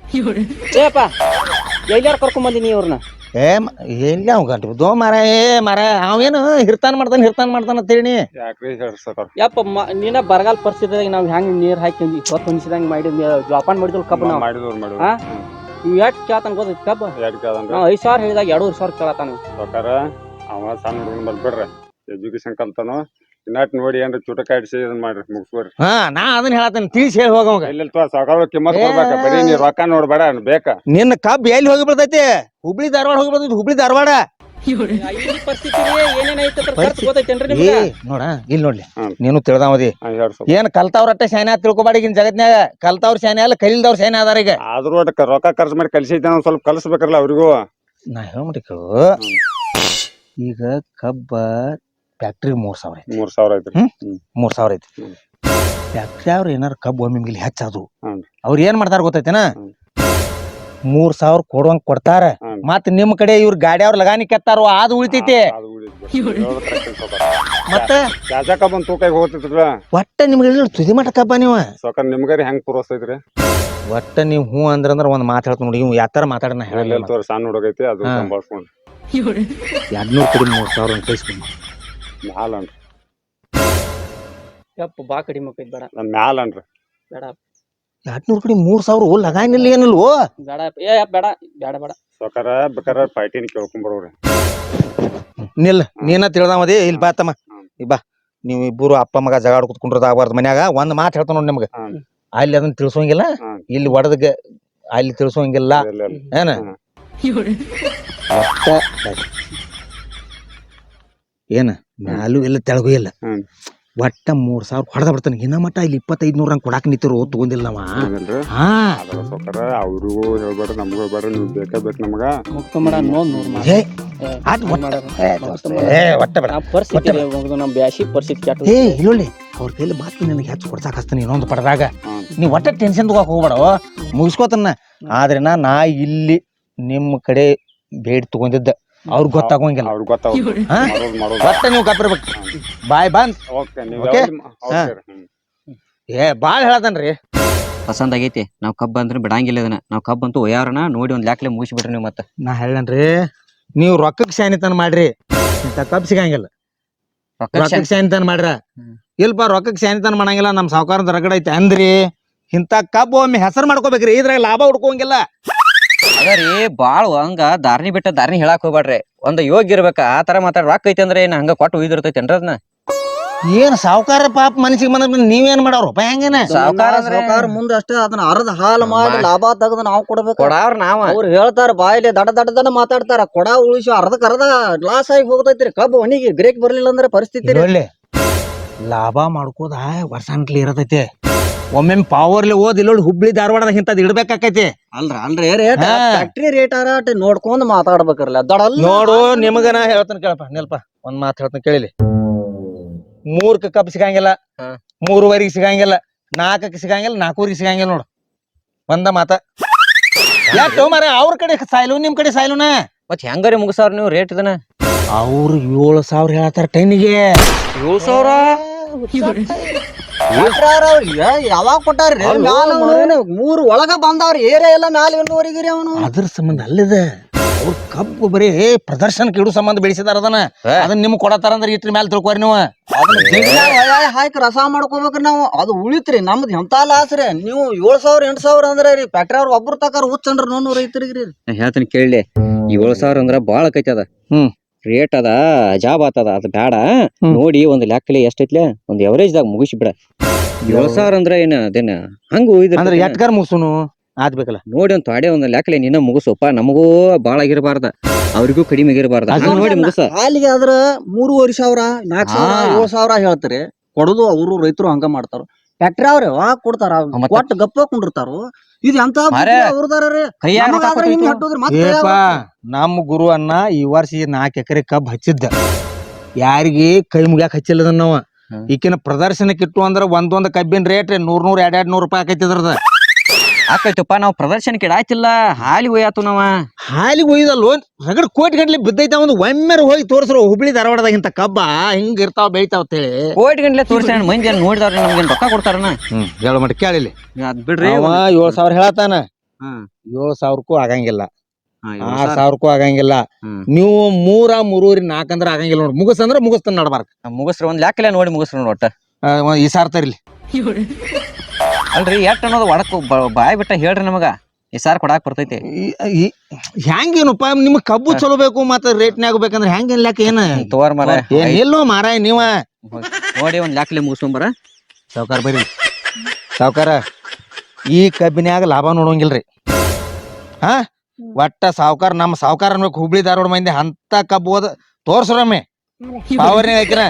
[SPEAKER 4] ಏಪ್ಪ ಎಲ್ಲಾರು ಕರ್ಕೊಂಡ್ ಬಂದಿನಿ ಇವ್ರನ್ನ
[SPEAKER 1] ಎಲ್ಲಿ ಅವ್ ಗಂಟು ದೋ ಮಾರ ಅವೇನು ಹಿರ್ತಾನ ಮಾಡ್ತಾನ ಅಂತ ಹೇಳಿ
[SPEAKER 5] ಯಾಕ್ರಿ ಹೇಳ್ರಿ ಸಾವ್ಕಾರ
[SPEAKER 4] ಯಪ್ಪ ನೀನ ಬರಗಾಲ ಪರಿಸ್ಥಿತಿದಾಗ ನಾವ್ ಹೆಂಗ್ ನೀರ್ ಹಾಕಿ ಹೊತ್ತು ಹೊನಿಸಿದಂಗ ಮಾಡಿ ಜೋಪಾನ ಮಾಡಿದ್ವಿ ಕಬ್ಬ ನಾವು
[SPEAKER 5] ಮಾಡಿದವ್ರು
[SPEAKER 4] ಹಾ? ಇವ್ ಎಷ್ಟ್ ಕೇಳ್ತಾನ ಗೊತ್ತೈತಿ ಕಬ್ಬ
[SPEAKER 5] ಯಾಡ್ಕದಂದ್ರ
[SPEAKER 4] ನಾವ್ 5,000 ಹೇಳಿದಾಗ 2,500 ಕೇಳತಾನ
[SPEAKER 5] ಸಾವ್ಕಾರ ಅವ ಸಣ್ಣ ಹುಡುಗನ್ ಬರ್ಬೇಡ್ರಿ ಎಜುಕೇಶನ್ ಕಲ್ತಾನು ಇನ್ನಟ್ ನೋಡಿ ಏನ್ರ ಚುಟಕ ಇಡ್ಸಿ ಇದನ್ ಮಾಡ್ರಿ ಮುಗಿಸ್ಬೇಡ್ರಿ
[SPEAKER 1] ಹಾ ನಾ ಅದನ್ನ ಹೇಳತ್ತೇನೆ ತಿಳಿಸಿ ಹೇಳಿ ಹೋಗವಾಗ
[SPEAKER 5] ಇಲ್ಲ ಸಾವ್ಕಾರ ಕಿಮ್ಮತ್ ಕೊಡ್ಬೇಕ ಬರೀ ನೀ ರೊಕ್ಕ ನೋಡ್ಬೇಡ ಬೇಕ
[SPEAKER 1] ನಿನ್ನ ಕಬ್ಬ್ ಎಲ್ಲಿ ಹೋಗಿ ಬರ್ತೈತಿ ಹುಬ್ಳಿ ಧಾರವಾಡ ಹೋಗಿ ಬರ್ತೈತಿ ಹುಬ್ಳಿ ಧಾರವಾಡ
[SPEAKER 4] ಈ ಪರಿಸ್ಥಿತಿ ಏನೇನ್ ಐತಿ ಖರ್ಚು ಗೊತ್ತೈತೇನ್ರಿ
[SPEAKER 1] ಏ
[SPEAKER 4] ನಿಮ್ಗೆ
[SPEAKER 1] ನೋಡ ಇಲ್ಲಿ ನೋಡ್ಲಿ
[SPEAKER 5] ಹ್ಮ್.
[SPEAKER 1] ನೀನು ತಿಳ್ದಾವದಿ
[SPEAKER 5] ಹೇಳ್ ಸಾವ್ಕಾರ.
[SPEAKER 1] ಏನ್ ಕಲ್ತಾವ್ರ ಅಟ್ಟ ಶಾನೆ ತಿಳ್ಕೊಬಾಡಿ ಈಗಿನ ಜಗತ್ನ್ಯಾಗ ಕಲ್ತಾವ್ರ ಶಾನೆ ಅಲ್ಲ ಕಲಿಲ್ದವ್ರ ಶಾನೆ ಅದಾರ ಈಗ
[SPEAKER 5] ಆದ್ರೂ ಒಟ್ಟು ರೊಕ್ಕ ಖರ್ಚು ಮಾಡಿ ಕಲ್ಸೈತೆ ಒಂದ್ ಸ್ವಲ್ಪ ಕಲ್ಸ್ಬೇಕಲ್ಲ ಅವ್ರಿಗೂ
[SPEAKER 1] ನಾ ಹೇಳ್ಬಿಟ್ಟು ಈಗ ಕಬ್ಬ ಫ್ಯಾಕ್ಟ್ರಿ 3,000 ಐತಿ
[SPEAKER 5] 3,000 ಐತ್ರಿ
[SPEAKER 1] 3,000 ಐತಿ
[SPEAKER 5] ಹ್ಮ್.
[SPEAKER 1] ಫ್ಯಾಕ್ಟ್ರಿ ಅವ್ರ ಏನಾರ ಕಬ್ಬು ಒಮ್ಮೆ ಮಿಲ್ ಹೆಚ್ಚದು
[SPEAKER 5] ಹ್ಮ್.
[SPEAKER 1] ಅವ್ರ ಏನ್ ಮಾಡ್ತಾರ ಗೊತ್ತೈತೇನ
[SPEAKER 5] ಹ್ಮ್.
[SPEAKER 1] 3,000 ಕೊಡುವಂಗ ಕೊಡ್ತಾರ
[SPEAKER 5] ಹ್ಮ್.
[SPEAKER 1] ಮತ್ ನಿಮ್ ಕಡೆ ಇವ್ರ ಗಾಡಿ ಅವ್ರ ಲಗಾನಿ ಕೆತ್ತಾರೋ ಅದು ಉಳಿತೈತಿ
[SPEAKER 5] ಅದು ಉಳಿತೈತಿ.
[SPEAKER 1] ಮತ್ತೆ
[SPEAKER 5] ಚಾಚಾ ಕಬ್ಬನ್ ತೂಕಾಗಿ ಹೋಗ್ತಿದ್ರ
[SPEAKER 1] ಒಟ್ಟ ನಿಮ್ಗೆ ತುದಿ ಮಟ್ಟ ಕಬ್ಬ ನೀವು
[SPEAKER 5] ಸಾವ್ಕಾರ ನಿಮ್ಗಾರಿ ಹೆಂಗ್ ತೋರಿಸ್ತೈತ್ರಿ
[SPEAKER 1] ಒಟ್ಟ ನೀವು ಹ್ಞೂ ಅಂದ್ರ ಒಂದ್ ಮಾತು ಹೇಳ್ತ ನೋಡಿ ಇವ್ ಯಾತರ ಮಾತಾಡೋಣ
[SPEAKER 5] ಎಲ್ಲೆಲ್ಲಿ ತೋರಿ ಸಣ್ಣ ಹುಡುಗೈತಿ ಅದು ಸಂಭಾಳ್ಸ್ಕೊಂಡು
[SPEAKER 1] 200 ಕಡಿಮೆ 3,000 ಕಳಿಸ್ಕೊಂಡು
[SPEAKER 5] ಮ್ಯಾಲ ಅನ್ರಿ
[SPEAKER 4] ಯಪ್ಪ ಬಾ ಕಡಿಮೆ ಆಕೈತಿ ಬೇಡ
[SPEAKER 5] ನನ್ ಮ್ಯಾಲ ಅನ್ರಿ
[SPEAKER 4] ಬೇಡ
[SPEAKER 1] 200 ಕಡಿಮೆ 3,000 ಲಗಾನಿಲ್ಲ ಏನಿಲ್ವೋ
[SPEAKER 4] ಬೇಡ ಏ ಬೇಡ ಬೇಡ ಬೇಡ
[SPEAKER 5] ಸಾವ್ಕಾರ ಬೇಕಾರೆ ಪಾಯ್ಟಿನ ಕೇಳ್ಕೊಂಬರೋರಿ
[SPEAKER 1] ನಿಲ್ ನೀನ ತಿಳ್ದಾಮದಿ ಇಲ್ಲಿ ಬಾ ತಮ್ಮ ಬಾ ನೀವು ಇಬ್ಬರು ಅಪ್ಪ ಮಗ ಜಗಾಡ್ ಕುತ್ಕೊಂಡ್ರದ ಆಗ್ಬಾರ್ದು ಮನ್ಯಾಗ ಒಂದ್ ಮಾತು ಹೇಳ್ತಾನ ನೋಡಿ ನಿಮ್ಗೆ ಅಲ್ಲಿ ಅದನ್ನ ತಿಳ್ಸೋಂಗಿಲ್ಲ ಇಲ್ಲಿ ಒಡದ ಅಲ್ಲಿ ತಿಳ್ಸೋಂಗಿಲ್ಲ ಏನ ಏನ ಮ್ಯಾಲೂ ಇಲ್ಲ ತೆಳಗೂ ಇಲ್ಲ ಒಟ್ಟ 3,000 ಹೊಡೆದ ಬಿಡ್ತಾನೆ ಇನ್ನ ಮಟ್ಟ ಇಲ್ಲಿ 2,500 ಹಂಗ್ ಕೊಡಾಕ್ ನಿಂತಿರು ತಗೊಂಡಿಲ್ಲ ನಾವ ಹಾ
[SPEAKER 5] ಸಾವ್ಕಾರ ಅವ್ರಿಗೂ ಹೇಳ್ಬೇಡ್ರಿ ನಮಗೂ ಹೇಳ್ಬೇಡ್ರಿ ನೀವು ಬೇಕಾ ಬೇಕು ನಮಗ
[SPEAKER 4] ನಮ್ ಬ್ಯಾಸಿ ಪರಿಸ್ಥಿತಿ ಕೆಟ್ಟ
[SPEAKER 1] ಏ ಇಲ್ಲೊಳ್ಳಿ ಅವ್ರ ಕೈಲಿ ಮಾತು ನನಗೆ ಹೆಚ್ಚು ಕೊಡ್ಸಾಕ್ ಹಚ್ತಾನೆ ಇನ್ನೊಂದು ಪಡೆದಾಗ ನೀವ್ ಒಟ್ಟ ಟೆನ್ಷನ್ ತಗೋಕ್ ಹೋಗ್ಬೇಡ ಮುಗಿಸ್ಕೋತನ್ನ ಆದ್ರೆ ನಾ ಇಲ್ಲಿ ನಿಮ್ ಕಡೆ ಬೇಡ್ ತಗೊಂಡಿದ್ದ ಅವ್ರಿಗೆ ಗೊತ್ತಾಗೋಂಗಿಲ್ಲ
[SPEAKER 5] ಅವ್ರಿಗೆ ಗೊತ್ತಾಗ
[SPEAKER 1] ಒಟ್ಟ ನೀವು ಕಪ್ಪಿರ್ಬೇಕು ಬಾಯ್ ಬಂದ್ ಏ ಬಾಳ್ ಹೇಳತನ್ರಿ
[SPEAKER 2] ಪಸಂದ್ ಆಗೈತಿ ನಾವ್ ಕಬ್ಬ ಅಂದ್ರೆ ಬಿಡಂಗಿಲ್ಲ ಇದನ್ನ ನಾವ್ ಕಬ್ಬ ಅಂತೂ ಒಯ್ಯಾರನ ನೋಡಿ ಒಂದ್ ಲ್ಯಾಕ್ಲೆ ಮುಗಿಸಿ ಬಿಡ್ರಿ ನೀವು ಮತ್ತೆ
[SPEAKER 1] ನಾ ಹೇಳನ್ರಿ ನೀವು ರೊಕ್ಕಕ್ಕೆ ಶಾನಿತನ ಮಾಡ್ರಿ ಇಂತ ಕಬ್ ಸಿಗಂಗಿಲ್ಲ ರೊಕ್ಕಕ್ಕೆ ಶಾನಿತನ ಮಾಡ್ರ ಇಲ್ಪ ರೊಕ್ಕಕ್ಕೆ ಶಾನಿತನ ಮಾಡಂಗಿಲ್ಲ ನಮ್ ಸಾವುಕಾರದ ರಗಡ ಐತಿ ಅಂದ್ರಿ ಇಂತ ಕಬ್ಬು ಒಮ್ಮೆ ಹೆಸರು ಮಾಡ್ಕೋಬೇಕ್ರಿ ಇದ್ರಾಗ ಲಾಭ ಹುಡ್ಕೋಂಗಿಲ್ಲ
[SPEAKER 2] ಅದರಿ ಬಾಳ್ ಹಂಗ ದಾರ್ನಿ ಬಿಟ್ಟ ದಾರ್ನಿ ಹೇಳಾಕ್ ಹೋಗ್ಬೇಡ್ರಿ ಒಂದ್ ಯೋಗ್ಯ ಇರ್ಬೇಕ ಆ ತರ ಮಾತಾಡ ರೊಕ್ಕ ಐತಿ ಅಂದ್ರೆ ಏನ್ ಹಂಗ ಕೊಟ್ಟು ಒಯ್ದಿರ್ತೈತೇನ್ರಿ ಅದನ್ನ
[SPEAKER 1] ಏನ್ ಸಾವುಕಾರ ಪಾಪ ಮನಸ್ಸಿಗೆ ಬಂದ ನೀವೇನ್ ಮಾಡವ್ರು ಹೆಂಗೇನ
[SPEAKER 4] ಸಾವುಕಾರ ಮುಂದೆ ಅಷ್ಟೇ ಅದನ್ನ ಅರ್ಧ ಹಾಲು ಮಾಡಿ ಲಾಭ ತೆಗೆದು ನಾವು ಕೊಡ್ಬೇಕು
[SPEAKER 2] ಕೊಡಾವ್ರ ನಾವ
[SPEAKER 4] ಅವ್ರು ಹೇಳ್ತಾರ ಬಾಯಿಲೆ ದಡ ಮಾತಾಡ್ತಾರ ಕೊಡ ಉಳಿಸಿ ಅರ್ಧ ಲಾಸ್ ಆಗಿ ಹೋಗ್ತೈತ್ರಿ ಕಬ್ಬು ಒಣಿಗೆ ಗ್ರೇಕ್ ಬರ್ಲಿಲ್ಲ ಅಂದ್ರೆ ಪರಿಸ್ಥಿತಿ
[SPEAKER 1] ಒಳ್ಳೆ ಲಾಭ ಮಾಡ್ಕೋದ ವರ್ಷಾನ್ಕ್ಲಿ ಇರತೈತಿ ಒಮ್ಮೆ ಪಾವರ್ಲಿ ಓದ್ ಇಲ್ಲೊಳ್ಳಿ ಹುಬ್ಳಿ ಧಾರವಾಡದಾಗ ಇಂತದ್ ಇಡ್ಬೇಕಾಕೈತಿ
[SPEAKER 4] ಅಲ್ರಿ ರೇಟ್ ಫ್ಯಾಕ್ಟ್ರಿ ರೇಟ್ ನೋಡ್ಕೊಂಡ್ ಮಾತಾಡ್ಬೇಕ್ರಲ್ಲ ದಡಲ್
[SPEAKER 1] ನೋಡು ನಿಮಗನ ಹೇಳ್ತಾನ ಕೇಳಪ್ಪ ನಿಲ್ಪ ಒಂದ್ ಮಾತು ಹೇಳ್ತಾನ ಕೇಳಿಲಿ 3ಕ್ಕೆ ಕಪ್ ಸಿಗಂಗಿಲ್ಲ 3:30 ಸಿಗಂಗಿಲ್ಲ 4ಕ್ಕೆ ಸಿಗಂಗಿಲ್ಲ 4:00 ಸಿಗಂಗಿಲ್ಲ ನೋಡು ಒಂದ ಮಾತ ಯಾಕೆ ಮಾರ ಅವ್ರ ಕಡೆ ಸಾಯ್ಲು ನಿಮ್ ಕಡೆ ಸಾಯ್ಲುನ
[SPEAKER 2] ಮತ್ ಹೆಂಗಾರಿ ಮುಗಿಸಾವ್ರ ನೀವು ರೇಟ್ ಇದನ್ನ
[SPEAKER 1] ಅವ್ರು 7,000 ಹೇಳತ್ತಾರ ಟೈನಿಗೆ
[SPEAKER 2] 7,000
[SPEAKER 4] ಯಾವಾಗ ಕೊಟ್ಟಾರ್ರಿ ಮೂರು ಒಳಗ ಬಂದವ್ರಿ ಏರಿಯಾ ಎಲ್ಲ ಮ್ಯಾಲ ಇನ್ನೂವರೆಗಿರಿ ಅವನು
[SPEAKER 1] ಅದ್ರ ಸಂಬಂಧ ಅಲ್ಲಿದ ಅವ್ರ ಕಬ್ಬು ಬರೀ ಪ್ರದರ್ಶನಕ್ಕೆ ಇಡು ಸಂಬಂಧ ಬೆಳೆಸಿದಾರ ಅದನ್ನ ನಿಮ್ಗೆ ಕೊಡತಾರ ಅಂದ್ರೆ ಇಟ್ರ ಮ್ಯಾಲ ತಿಳ್ಕೊರಿ ನೀವು
[SPEAKER 4] ಅದನ್ನ ಹಾಕಿ ರಸ ಮಾಡ್ಕೋಬೇಕ್ರಿ ನಾವು ಅದು ಉಳಿತ್ರಿ ನಮ್ದು ಎಂತ ಲಾಸ್ ರೀ ನೀವು 7,000 8,000 ಅಂದ್ರೆ ರೀ ಫ್ಯಾಕ್ಟ್ರಿ ಅವ್ರು ಒಬ್ರು ತಕಾರ ಹುಚ್ಚನ್ರಿ 900 ರೈತರಿಗ್ರಿ
[SPEAKER 2] ಹೇಳ್ತೀನಿ ಕೇಳಿ 7,000 ಅಂದ್ರ ಬಾಳ ಆಕೈತಿ ಅದ ರೇಟ್ ಅದ ಜಾಬ್ ಆತದ ಅದ್ ಬ್ಯಾಡ ನೋಡಿ ಒಂದ್ ಲೆಕ್ಕಲಿ ಎಷ್ಟೈತ್ಲೆ ಒಂದ್ ಎವರೇಜ್ ದಾಗ ಮುಗಿಸಿ ಬಿಡ 7,000 ಅಂದ್ರ ಏನ ಅದೇನ ಹಂಗ
[SPEAKER 1] ಅಂದ್ರೆ ಎಟ್ಗಾರ ಮುಗಿಸುನು ಆದ್ಬೇಕಲ್ಲ
[SPEAKER 2] ನೋಡಿ ಒಂದ್ ತೊಡೆ ಒಂದ್ ಲೆಕ್ಕಲಿ ನಿನ್ನ ಮುಗಿಸೋಪ್ಪ ನಮಗೂ ಬಾಳ ಆಗಿರಬಾರ್ದ ಅವ್ರಿಗೂ ಕಡಿಮೆ ಆಗಿರಬಾರ್ದ ನೋಡಿ ಮುಗಿಸ
[SPEAKER 4] ಹಾಲಿಗೆ ಆದ್ರ 3,500 4,000 7,000 ಹೇಳ್ತಾರೆ ಕೊಡುದು ಅವರು ರೈತರು ಹಂಗ ಮಾಡ್ತಾರ ಫ್ಯಾಕ್ಟ್ರಿ ಅವ್ರ ಯಾವಾಗ ಕೊಡ್ತಾರ ಒಟ್ಟು ಗಪ್ಪ ಕೊಂಡಿರ್ತಾರ ಇದು ಎಂತ
[SPEAKER 1] ನಮ್ಮ ಗುರು ಅನ್ನ ಈ ವರ್ಷ 4 ಎಕರೆ ಕಬ್ಬ್ ಹಚ್ಚಿದ್ದ ಯಾರಿಗೆ ಕೈ ಮುಗ್ಯಾಕ ಹಚ್ಚಿಲ್ಲದ ನಾವ ಈಕಿನ ಪ್ರದರ್ಶನಕ್ಕೆ ಇಟ್ಟು ಅಂದ್ರ ಒಂದೊಂದ್ ಕಬ್ಬಿನ ರೇಟ್ 100 200 ರೂಪಾಯಿ ಆಕೈತಿ ಅದ್ರದ
[SPEAKER 2] ಆಕೈತಪ್ಪ ನಾವ್ ಪ್ರದರ್ಶನಕ್ಕೆ ಇಡಾಯ್ತಿಲ್ಲ ಹಾಲಿ ಒಯ್ಯಾತು ನಾವ
[SPEAKER 1] ಹಾಲಿಗೆ ಒಯ್ದಲ್ವ ರಗಡ್ ಕೋಟಿ ಗಂಟ್ಲೆ ಬಿದ್ದೈತ ಒಂದು ಒಮ್ಮೆರ ಹೋಗಿ ತೋರ್ಸ್ರು ಹುಬ್ಳಿ ಧಾರವಾಡದಾಗ ಇಂತ ಕಬ್ಬ ಹಿಂಗ ಇರ್ತಾವ ಬೆಳಿತಾವ ಅಂತೇಳಿ
[SPEAKER 2] ಕೋಟಿ ಗಂಟ್ಲೆ ತೋರ್ಸ ಮಂದಿ ನೋಡಿದಾರ ನಮ್ಗೆ ರೊಕ್ಕ ಕೊಡ್ತಾರನ
[SPEAKER 1] ಹೇಳ ಮಟ್ಟ ಕೇಳಿಲಿ
[SPEAKER 2] ಅದ್ ಬಿಡ್ರಿ
[SPEAKER 1] 7,000 ಹೇಳತಾನ 7,000ಕ್ಕೂ ಆಗಂಗಿಲ್ಲ 6,000ಕ್ಕೂ ಆಗಂಗಿಲ್ಲ ನೀವು 3 4 ಅಂದ್ರ ಆಗಂಗಿಲ್ಲ ನೋಡ್ ಮುಗಿಸಂದ್ರ ಮುಗಿಸ್ತಾನ ನಡ್ಬಾರ್ಕ
[SPEAKER 2] ಮುಗಿಸ್ರ ಒಂದ್ ಲೆಕ್ಕಲೆ ನೋಡಿ ಮುಗಿಸ್ರ ಒಟ್ಟ
[SPEAKER 1] ಈ ಸಾರ್ತರ್ಲಿ
[SPEAKER 2] ಅಲ್ರಿ ಎಷ್ಟ್ ಅನ್ನೋದು ಒಡಕ್ ಬಾಯ್ ಬಿಟ್ಟ ಹೇಳ್ರಿ ನಮಗ ಈ ಸಾರ್ ಕೊಡಾಕ್ ಬರ್ತೈತಿ
[SPEAKER 1] ಹೆಂಗೇನಪ್ಪ ನಿಮ್ ಕಬ್ಬು ಚಲೋ ಬೇಕು ಮತ್ತ ರೇಟ್ನ್ಯಾಗ ಬೇಕಂದ್ರ ಹೆಂಗ ಲೆಕ್ಕ ಏನ
[SPEAKER 2] ತೋರ್ ಮರ
[SPEAKER 1] ಎಲ್ಲೋ ಮಾರಾಯ ನೀವ
[SPEAKER 2] ನೋಡಿ ಒಂದ್ ಲೆಕ್ಕಲೆ ಮುಗಿಸ್ಕೊಂಬರ
[SPEAKER 1] ಸಾವ್ಕಾರ ಬರ್ರಿ ಸಾವ್ಕಾರ ಈ ಕಬ್ಬಿನ್ಯಾಗ ಲಾಭ ನೋಡೋಂಗಿಲ್ರಿ ಹಾ ಒಟ್ಟ ಸಾವ್ಕಾರ ನಮ್ಮ ಸಾವ್ಕಾರ ಅನ್ಬೇಕು ಹುಬ್ಳಿ ಧಾರವಾಡ ಮಂದಿ ಅಂತ ಕಬ್ಬು ಓದ ತೋರ್ಸ್ರಮ್ಮೆ ಪಾವರ್ನಾಗ ಹಾಕಿನ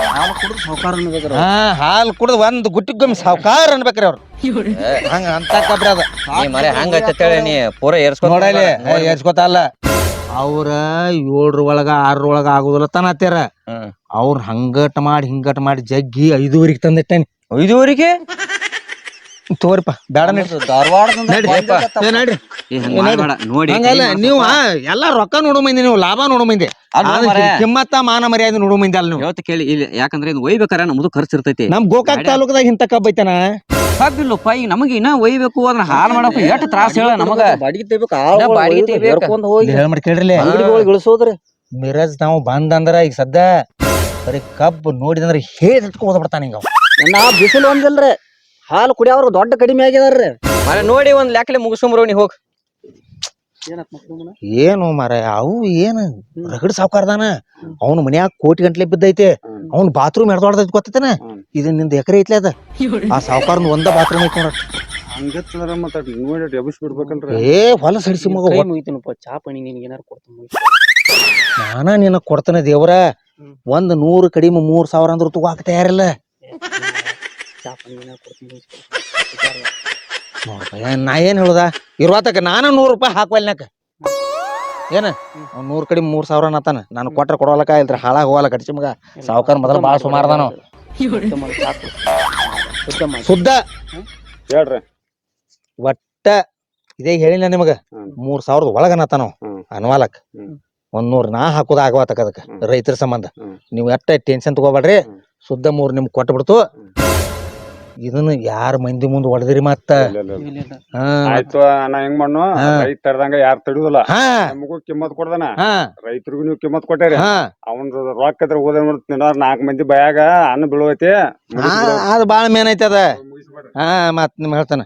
[SPEAKER 1] ಹಾಲು ಕುಡ್ದು ಒಂದ್ ಗುಟ್ಟಿಗೊಮ್ಮೆ ಸಾವ್ಕಾರ ಅನ್ಬೇಕ್ರಿ ಅವ್ರು ಹಂಗ ಅಂತ ಕಬ್ರಿ ಅದ
[SPEAKER 2] ಮರ ಹಂಗ ನೀ ಪೂರ
[SPEAKER 1] ನೋಡಲಿ ಏರ್ಸ್ಕೊತಲ್ಲ ಅವ್ರ 7 ಒಳಗ 6 ಒಳಗ ಆಗುದಿಲ್ಲ ತನತ್ಯಾರ ಅವ್ರ ಹಿಂಗಟ್ ಮಾಡಿ ಜಗ್ಗಿ 5:30 ತಂದಿಟ್ಟೇನಿ
[SPEAKER 2] 5:30
[SPEAKER 1] ತಗೋರಿಪ್ಪ ಬೇಡ ನಡ್ರಿ
[SPEAKER 4] ಧಾರವಾಡದಿಂದ
[SPEAKER 1] ನಡ್ರಿ
[SPEAKER 4] ಬಂದಿದ್ದಪ್ಪ.
[SPEAKER 1] ಏ ನಡ್ರಿ
[SPEAKER 2] ಏ ಹಂಗ್ ಮಾಡ್ಬೇಡ ನೋಡಿ
[SPEAKER 1] ಹಂಗಲ್ಲ ನೀವು ಎಲ್ಲಾ ರೊಕ್ಕ ನೋಡೋ ಮಂದಿ ನೀವು ಲಾಭ ನೋಡೋ ಮಂದಿ
[SPEAKER 2] ಅಲ್ಲ
[SPEAKER 1] ಆದ್ರೆ
[SPEAKER 2] ಮಾರ್ರೆ.
[SPEAKER 1] ಕಿಮ್ಮತ್ತ ಮಾನ ಮರ್ಯಾದೆ ನೋಡೋ ಮಂದಿ ಅಲ್ಲ ನೀವು
[SPEAKER 2] ಹೇಳ್ತ ಕೇಳಿ ಇಲ್ಲಿ ಯಾಕಂದ್ರೆ ಇದು ಒಯ್ಬೇಕಾರ ನಮ್ದು ಖರ್ಚು ಇರ್ತೈತಿ
[SPEAKER 1] ನಮ್ ಗೋಕಾಕ್ ತಾಲೂಕದಾಗ ಇಂತ ಕಬ್ಬ ಐತನ
[SPEAKER 2] ಕಬ್ಬಿಲ್ಲಪ್ಪ ಈಗ ನಮಗೆ ಇನ್ನ ಒಯ್ಬೇಕು ಅದನ್ನ ಹಾಲ್ ಮಾಡಪ್ಪ ಎಷ್ಟು ತ್ರಾಸ ಹೇಳ ನಮಗ
[SPEAKER 4] ಬಾಡಿಗೆ ತೆಗಿಬೇಕು
[SPEAKER 2] ಬಾಡಿಗೆ ತೆಗಿಬೇಕು.
[SPEAKER 4] ಹೇರ್ಕೊಂಡ್ ಹೋಗಿ
[SPEAKER 1] ಹೇಳ ಮಾಡಿ ಕೇಳ್ರಿ
[SPEAKER 4] ಅಂಗಡಿಗಳಿಗೆ ಇಳಿಸೋದ್ರಿ
[SPEAKER 1] ಮಿರಜ್ ನಾವು ಬಂದಂದ್ರ ಈಗ ಸದ್ದ ಬರೀ ಕಬ್ಬು ನೋಡಿದಂದ್ರ ಹೇಳಿ ಹೋದ ಬಿಡ್ತಾನ ಹಿಂಗ
[SPEAKER 4] ನಾ ಬಿಸಿಲು ಒಂದಿಲ್ರಿ ಹಾಲು ಕುಡಿಯೋರು ದೊಡ್ಡ ಕಡಿಮೆ ಆಗ್ಯದಾರ್ರಿ
[SPEAKER 2] ನೋಡಿ ಒಂದ್ ಲೆಕ್ಕಲೆ ಮುಗಿಸ್ಕೊಂಬರೋ ನೀ ಹೋಗ್
[SPEAKER 1] ಏನು ಮಾರ ಅವು ಏನು ರಗಡ್ ಸಾವ್ಕಾರದಾನ ಅವ್ನ ಮನ್ಯಾಗ ಕೋಟಿ ಗಂಟ್ಲೆ ಬಿದ್ದೈತೆ ಅವ್ನ ಬಾತ್ರೂಮ್ ಎಡ್ದೊಡ್ದೈತಿ ಗೊತ್ತೈತನ ಇದು ನಿಂದ ಎಕರೆ ಐತ್ಲೆ ಅದ ಆ ಸಾವ್ಕಾರನ್ ಒಂದ ಬಾತ್ರೂಮ್ ಐತಿ ನೋಡ್ರಿ
[SPEAKER 5] ಹಂಗತ್ತಂದ್ರ ಮತ್ತ ನೋಡಿ ಎಬ್ಬಿಸಿ ಬಿಡ್ಬೇಕಲ್ರಿ
[SPEAKER 1] ಏ ಹೊಲ ಸಡಿಸಿ ಮಗ
[SPEAKER 4] ಮುಗಿತೀನಪ್ಪ ಚಾ ಪಣಿ ನಿನ್ಗೆ ಏನಾರು ಕೊಡ್ತೀನಿ
[SPEAKER 1] ನಾನ ನಿನ್ನ ಕೊಡ್ತಾನೆ ದೇವ್ರ 100 ಕಡಿಮೆ 3,000 ಅಂದ್ರ ತಗೋಕ್ ತಯಾರಿಲ್ಲ
[SPEAKER 4] ಚಾ ಪಣಿ ಏನಾರು ಕೊಡ್ತೀನಿ
[SPEAKER 1] ನೋಡ್ಪ ನಾ ಏನ್ ಹೇಳುದ ಇರುವತ್ತಕ ನಾನು 100 ರೂಪಾಯಿ ಹಾಕ್ವಲ್ನಾಕ ಏನ 100 ಕಡಿಮೆ 3,000 ಅನ್ನತಾನ ನಾನು ಕೊಟ್ರ ಕೊಡೋಲಕ ಇಲ್ರಿ ಹಾಳಾಗ ಹೋಗಲ್ಲ ಕಡಿಸಿ ಮಗ ಸಾವ್ಕಾರ ಮೊದಲ ಬಾಳ ಸುಮಾರದಾನ ಸುದ್ದ
[SPEAKER 5] ಹೇಳ್ರಿ
[SPEAKER 1] ಒಟ್ಟ ಇದೇ ಹೇಳಿಲ್ಲ ನಿಮಗ 3,000 ಒಳಗ ಅನ್ನತಾನ ಅನ್ವಾಲಕ್ 100 ನಾ ಹಾಕೋದ ಆಗವಾತಕ ಅದಕ್ಕ ರೈತರ ಸಂಬಂಧ ನೀವು ಎಟ್ಟ ಟೆನ್ಷನ್ ತಗೋಬೇಡ್ರಿ ಸುದ್ದ 3 ನಿಮ್ಗೆ ಕೊಟ್ಟು ಬಿಡ್ತು ಇದನ್ನ ಯಾರ ಮಂದಿ ಮುಂದ್ ಹೊಡೆದಿರಿ ಮತ್ತ ಹಾ
[SPEAKER 5] ಆಯ್ತು ನಾ ಹೆಂಗ್ ಮಾಡ್ನು ರೈತ ತರದಂಗ ಯಾರು ತಡಿಯೋದಿಲ್ಲ
[SPEAKER 1] ಹಾ
[SPEAKER 5] ನಮಗೂ ಕಿಮ್ಮತ್ ಕೊಡ್ದಾನ
[SPEAKER 1] ಹಾ
[SPEAKER 5] ರೈತರಿಗೂ ನೀವು ಕಿಮ್ಮತ್ ಕೊಟ್ಟೇರಿ
[SPEAKER 1] ಹಾ
[SPEAKER 5] ಅವನ್ ರೊಕ್ಕ ಇದ್ರ ಹೋದ 4 ಮಂದಿ ಬಾಯಾಗ ಅನ್ನ ಬೀಳುವೈತಿ
[SPEAKER 1] ಅದು ಬಾಳ ಮೇನ್ ಐತಿ ಅದ ಹಾ ಮತ್ ನಿಮ್ ಹೇಳ್ತಾನ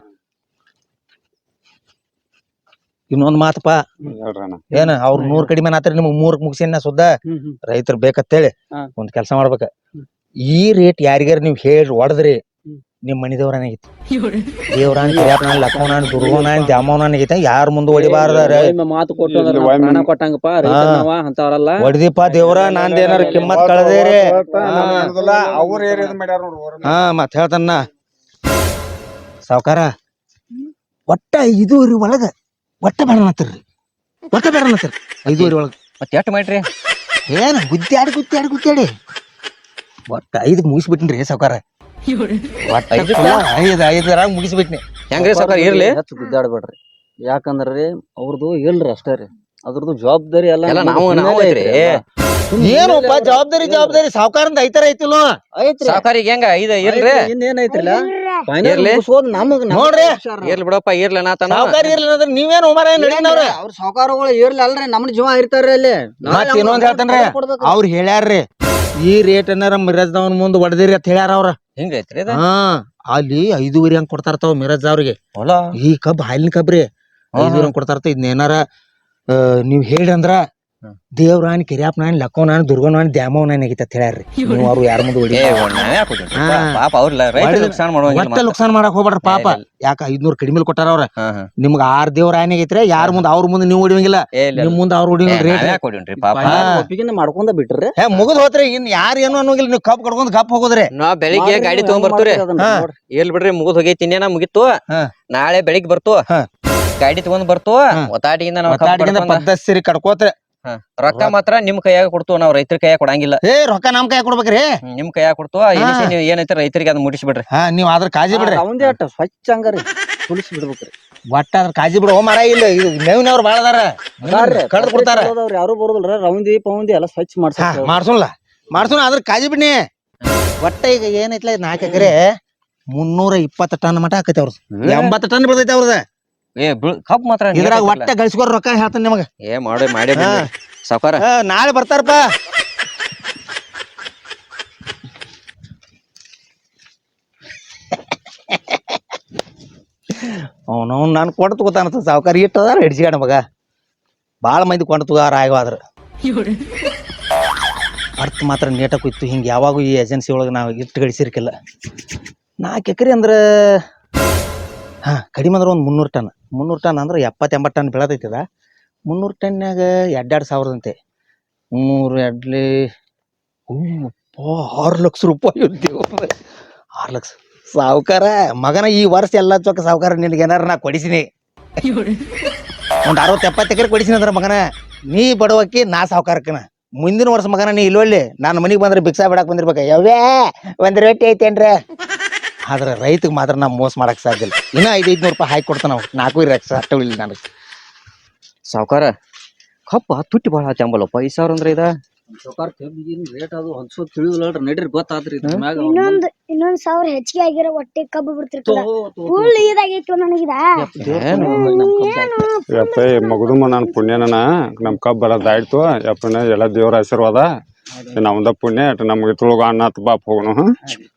[SPEAKER 1] ಇನ್ನೊಂದ್ ಮಾತಪ್ಪ
[SPEAKER 5] ಹೇಳ್ರಣ್ಣ
[SPEAKER 1] ಏನ ಅವ್ರ 100 ಕಡಿಮೆ ಆತ್ರ ನಿಮ್ಗ್ 3 ಮುಗಿಸಿನ ಸುದ್ದ ರೈತರು ಬೇಕಂತೇಳಿ ಒಂದ್ ಕೆಲಸ ಮಾಡ್ಬೇಕ ಈ ರೇಟ್ ಯಾರಿಗಾರ ನೀವ್ ಹೇಳಿ ಹೊಡೆದ್ರಿ ನಿಮ್ ಮನಿ ದೇವ್ರಾನಾಗೈತಿ ದೇವ್ರಾನ್ ಕಿರಿಯಪ್ಪನ ಲಕ್ಷ್ಮಣ ದುರ್ಗೋನ ದ್ಯಾಮವನಾಗೈತಿ ಯಾರ ಮುಂದೆ ಹೊಡಿಬಾರ್ದ
[SPEAKER 4] ಮಾತು ಕೊಟ್ಟು ಪ್ರಾಣ ಕೊಟ್ಟಂಗಪ್ಪ ರೈತನವ ಅಂತವ್ರಲ್ಲ
[SPEAKER 1] ಹೊಡೆದಿಪ್ಪ ದೇವ್ರ ನಂದ್ ಏನಾರ ಕಿಮ್ಮತ್ ಕಳೆದೇರಿ
[SPEAKER 5] ಅವ್ರ ಏರಿಯಾದ ಮಾಡ್ಯಾರ ನೋಡ್ರಿ
[SPEAKER 1] ಹಾ ಮತ್ ಹೇಳ್ತಾನ ಸಾವ್ಕಾರ ಒಟ್ಟ 5 ಒಳಗ ಒಟ್ಟ ಬೇಡನತ್ತಿರ್ರಿ ಒಟ್ಟ ಬೇಡನತ್ತಿರಿ 5 ಒಳಗ
[SPEAKER 2] ಮತ್ತೆ ಎಷ್ಟು ಮಾಡ್ರಿ
[SPEAKER 1] ಏನ್ ಗುದ್ದಾಡಿ ಒಟ್ಟ 5 ಮುಗಿಸ್ಬಿಟ್ಟಿನ್ರಿ ಸಾವ್ಕಾರ ಒಟ್ಟ 5 ಮುಗಿಸ್ಬಿಟ್ನಿ
[SPEAKER 2] ಹೆಂಗ್ರಿ ಸಾವ್ಕಾರ ಇರ್ಲಿ
[SPEAKER 4] ಹೆಚ್ಚು ಗುದ್ದಾಡ್ಬೇಡ್ರಿ ಯಾಕಂದ್ರಿ ಅವ್ರದ್ದು ಇಲ್ರಿ ಅಷ್ಟೇ ರೀ ಅದ್ರದ್ದು ಜವಾಬ್ದಾರಿ
[SPEAKER 2] ಎಲ್ಲ
[SPEAKER 4] ಎಲ್ಲ
[SPEAKER 2] ನಾವು ಐತ್ರಿ
[SPEAKER 1] ಏನಪ್ಪ ಜವಾಬ್ದಾರಿ ಸಾವ್ಕಾರಂದ ಐತರ ಐತಿಲ್ಲೋ
[SPEAKER 4] ಐತ್ರಿ
[SPEAKER 2] ಸಾವ್ಕಾರಿಗೆ ಹೆಂಗ ಇರ್ಲಿ
[SPEAKER 4] ಇನ್ನೇನೈತ್ರಿಲ್ಲ
[SPEAKER 2] ಇರ್ಲಿ.
[SPEAKER 1] ನೋಡ್ರಿ
[SPEAKER 2] ಇರ್ಲಿ ಬಿಡಪ್ಪ ಇರ್ಲಿ ನಾತನ
[SPEAKER 1] ಸಾವ್ಕಾರ ಇರ್ಲಿ ಅಂದ್ರೆ ನೀವೇನು ಉಮಾರ ನಡೀನವ್ರ
[SPEAKER 4] ಅವ್ರ ಸಾವುಕಾರಗಳು ಇರ್ಲಿ ಅಲ್ರಿ ನಮ್ನ ಜೀವ ಇರ್ತಾರ್ರಿ ಅಲ್ಲಿ
[SPEAKER 1] ಮತ್ ಇನ್ನೊಂದ್ ಹೇಳ್ತಾನ್ರಿ ಅವ್ರು ಹೇಳ್ಯಾರ್ರಿ ಈ ರೇಟ್ ಏನಾರ ಮಿರಜ್ದವನ್ ಮುಂದ್ ಹೊಡೆದಿರಿ ಅಂತ ಹೇಳ್ಯಾರ ಅವ್ರ
[SPEAKER 2] ಹಿಂಗೈತ್ರಿ
[SPEAKER 1] ಹಾ ಅಲ್ಲಿ 5.5 ಹಂಗ್ ಕೊಡ್ತಾರತಾವ ಮಿರಜ್ ಅವ್ರಿಗೆ
[SPEAKER 2] ಹೊಲ
[SPEAKER 1] ಈ ಕಬ್ ಹಾಲಿನ ಕಬ್ರಿ 5 ಹಂಗ್ ಕೊಡ್ತಾರತ ಇದನ್ನೇನಾರ ನೀವ್ ಹೇಳ್ರಿ ಅಂದ್ರ ದೇವ್ರಾನ್ ಕಿರಿಯಪ್ಪನಾನ್ ಲಕ್ಕವನಾನ್ ದುರ್ಗವನಾನ್ ದ್ಯಾಮವನಾನ್ ಆಗೈತಿ ಅಂತ ಹೇಳ್ಯಾರ್ರಿ ನೀವು ಅವ್ರು ಯಾರ ಮುಂದೆ ಹೊಡಿ
[SPEAKER 2] ಪಾಪ ಅವ್ರಲ್ಲ ರೈತ ನುಕ್ಸಾನ್ ಮಾಡುವಂಗಿಲ್ಲ
[SPEAKER 1] ಒಟ್ಟ ನುಕ್ಸಾನ್ ಮಾಡಕ್ ಹೋಗ್ಬೇಡ್ರಿ ಪಾಪ ಯಾಕ 500 ಕಡಿಮೆ ಕೊಟ್ಟಾರ ಅವ್ರ ನಿಮ್ಗ 6 ದೇವ್ರ ಆನೆ ಆಗೈತ್ರಿ ಯಾರ ಮುಂದ ಅವ್ರ ಮುಂದೆ ನೀವು ಹೊಡಿವಂಗಿಲ್ಲ ನಿಮ್ ಮುಂದ ಅವ್ರು ಹೊಡಿವಂಗಿಲ್ಲ ರೇಟ್
[SPEAKER 2] ಕೊಡಿನ್ರಿ ಪಾಪ
[SPEAKER 4] ಒಪ್ಪಿಗೆ ಮಾಡ್ಕೊಂಡ ಬಿಟ್ರಿ
[SPEAKER 1] ಮುಗಿದ್ ಹೋತ್ರಿ ಇನ್ ಯಾರು ಏನು ಅನ್ನೋಂಗಿಲ್ಲ ನೀವು ಕಪ್ ಕಡ್ಕೊಂಡ್ ಕಪ್ ಹೋಗೋದ್ರಿ
[SPEAKER 2] ನಾವ್ ಬೆಳಿಗ್ಗೆ ಗಾಡಿ ತಗೊಂಡ್ ಬರ್ತೀವ್ರಿ ಇರ್ಲಿ ಬಿಡ್ರಿ ಮುಗಿದ್ ಹೋಗೈತಿ ಇನ್ನೇನ ಮುಗಿತ್ತು ನಾಳೆ ಬೆಳಿಗ್ಗೆ ಬರ್ತು ಗಾಡಿ ತಗೊಂಡ್ ಬರ್ತು ಒತ್ತಾಟಿಯಿಂದ ನಾವು
[SPEAKER 1] ಪದ್ಧತಿ ಕಡ್ಕೋತ್ರಿ
[SPEAKER 2] ರೊಕ್ಕ ಮಾತ್ರ ನಿಮ್ ಕೈಯಾಗ ಕೊಡ್ತು ನಾವ್ ರೈತರ ಕೈಯಾಗ ಕೊಡಂಗಿಲ್ಲ
[SPEAKER 1] ರೊಕ್ಕ ನಮ್ ಕೈ ಕೊಡ್ಬೇಕ್ರಿ
[SPEAKER 2] ನಿಮ್ ಕೈಯಾಗ ಕೊಡ್ತು ನೀವ್ ಏನೈತಿ ರೈತರಿಗೆ ಅದ್ ಮುಟ್ಟಿಸ್ಬಿಡ್ರಿ
[SPEAKER 1] ನೀವ್ ಅದ್ರ ಕಾಜಿ ಬಿಡ್ರಿ
[SPEAKER 4] ಅವಂದೇ ಅಟ್ಟ ಸ್ವಚ್ಛ ಹಂಗಾರಿ ತುಳಿಸಿ ಬಿಡ್ಬೇಕ್ರಿ
[SPEAKER 1] ಒಟ್ಟ ಅದ್ರ ಕಾಜಿ ಬಿಡು ಮರ ಇಲ್ಲ ಇದು ಮೇವಿನವ್ರು ಬಾಳ ಅದಾರ ಕಡ್ದು ಕೊಡ್ತಾರ
[SPEAKER 4] ಯಾರು ಬರೋದಿಲ್ರ ರೌಂದಿ ಪೌಂದಿ ಎಲ್ಲ ಸ್ವಚ್ಛ
[SPEAKER 1] ಮಾಡ್ಸೋಣ ಅದ್ರ ಕಾಜಿ ಬಿಡ್ನಿ ಒಟ್ಟ ಈಗ ಏನೈತ್ಲ 4 ಎಕರೆ 320 ಟನ್ ಮಟ ಆಕೈತಿ ಅವ್ರದ್ದು 80 ಟನ್ ಬೆಳ್ದೈತಿ ಅವ್ರದ
[SPEAKER 2] ಕಪ್ ಮಾತ್ರ
[SPEAKER 1] ಇದ್ರಾಗ ಒಟ್ಟ ಗಳಿಸ್ಕೊರ್ ರೊಕ್ಕ ಹೇಳ್ತಾನೆ ನಿಮಗ
[SPEAKER 2] ಮಾಡಿ ಸಾವ್ಕಾರ
[SPEAKER 1] ನಾಳೆ ಬರ್ತಾರಪ್ಪ ಅವನು ನಾನು ಕೊಂಡು ತಗೋತಾನ ಸಾವ್ಕಾರ ಇಟ್ಟದಾರ ಹಿಡ್ಸಿಗಾಡ ಮಗ ಬಾಳ ಮಂದಿ ಕೊಂಡು ತಗೋರ ಆಗವಾದ್ರ ಅರ್ಥ ಮಾತ್ರ ನೀಟಾಗಿ ಕೂಯ್ತು ಹಿಂಗೆ ಯಾವಾಗೂ ಈ ಏಜೆನ್ಸಿ ಒಳಗೆ ನಾವು ಇಟ್ಟು ಗಳಿಸಿರ್ಕಿಲ್ಲ 4 ಎಕರೆ ಅಂದ್ರೆ ಕಡಿಮೆ ಅಂದ್ರೆ ಒಂದು 300 ಟನ್ ಅಂದ್ರೆ 70-80 ಟನ್ ಬೆಳೆದೈತದ 300 ಟನ್ಯಾಗ 2,000 ಅಂತೆ 3 6 ಲಕ್ಷ ರೂಪಾಯಿ ಇರ್ತೀವಿ 6 ಲಕ್ಷ ಸಾವ್ಕಾರ ಮಗನ ಈ ವರ್ಷ ಎಲ್ಲ ಚೊಕ್ಕ ಸಾವ್ಕಾರ ನಿನ್ಗೆ ಏನಾರ ನಾ ಕೊಡಿಸಿನಿ ಒಂದ್ 60-70 ಎಕರೆ ಕೊಡಿಸಿನಿ ಅಂದ್ರ ಮಗನ ನೀ ಬಡವಕ್ಕಿ ನಾ ಸಾವ್ಕಾರಕ್ಕನ ಮುಂದಿನ ವರ್ಷ ಮಗನ ನೀ ಇಲ್ಲೊಳ್ಳಿ ನಾನು ಮನಿಗೆ ಬಂದ್ರೆ ಭಿಕ್ಷಾ ಬಿಡಾಕ್ ಬಂದಿರ್ಬೇಕ ಯಾವ್ಯಾ ಒಂದ್ ರೊಟ್ಟಿ ಐತೇನ್ರ ಆದ್ರೆ ರೈತಗೆ ಮಾತ್ರ ನಾ ಮೋಸ ಮಾಡಕ್ ಸಾಧ್ಯ ಇಲ್ಲ. ಇನ್ನ 500 ರೂಪಾಯಿ ಹಾಕಿ ಕೊಡ್ತಾನ ನಾವು 4 ರಕ್ಷ ಅಷ್ಟ ಇಲ್ಲ ನನಗೆ.
[SPEAKER 2] ಸಾವ್ಕಾರ ಕಪ್ಪ ತುಟ್ಟಿ ಬಾಳ ಆತಂಬಲ್ಲಪ್ಪ 5,000 ಅಂದ್ರೆ ಇದ
[SPEAKER 4] ಸಾವ್ಕಾರ್ ಕಬ್ಬಿಗಿನ್ ರೇಟ್ ಅದು ಹೊಲ್ಸೋದ್ ತಿಳಿದಿಲ್ಲ ನಡ್ರಿ ಗೊತ್ತಾತ್ರಿ ಇದ್ರ ಮ್ಯಾಗ
[SPEAKER 3] ಇನ್ನೊಂದ್ 1,000 ಹೆಚ್ಚಿಗೆ ಆಗಿರೋ ಹೊಟ್ಟೆ ಕಬ್ಬು ಬಿಡ್ತಿರ್ತದ. ಫುಲ್ ಇದಾಗೈತಿ ನನಗಿದ.
[SPEAKER 5] ಯಪ್ಪ ಮಗದುಮ ನನ್ನ ಪುಣ್ಯನ ನಮ್ ಕಬ್ಬ ಬರೋದಾಯ್ತು ಯಪ್ಪನ ಎಲ್ಲ ದೇವ್ರ ಆಶೀರ್ವಾದ. ನಮ್ದ ಪುಣ್ಯ ನಮ್ಗೆ ತುಳುಗ ಅನ್ನ ಬಾಪ್ ಹೋಗೋಣ.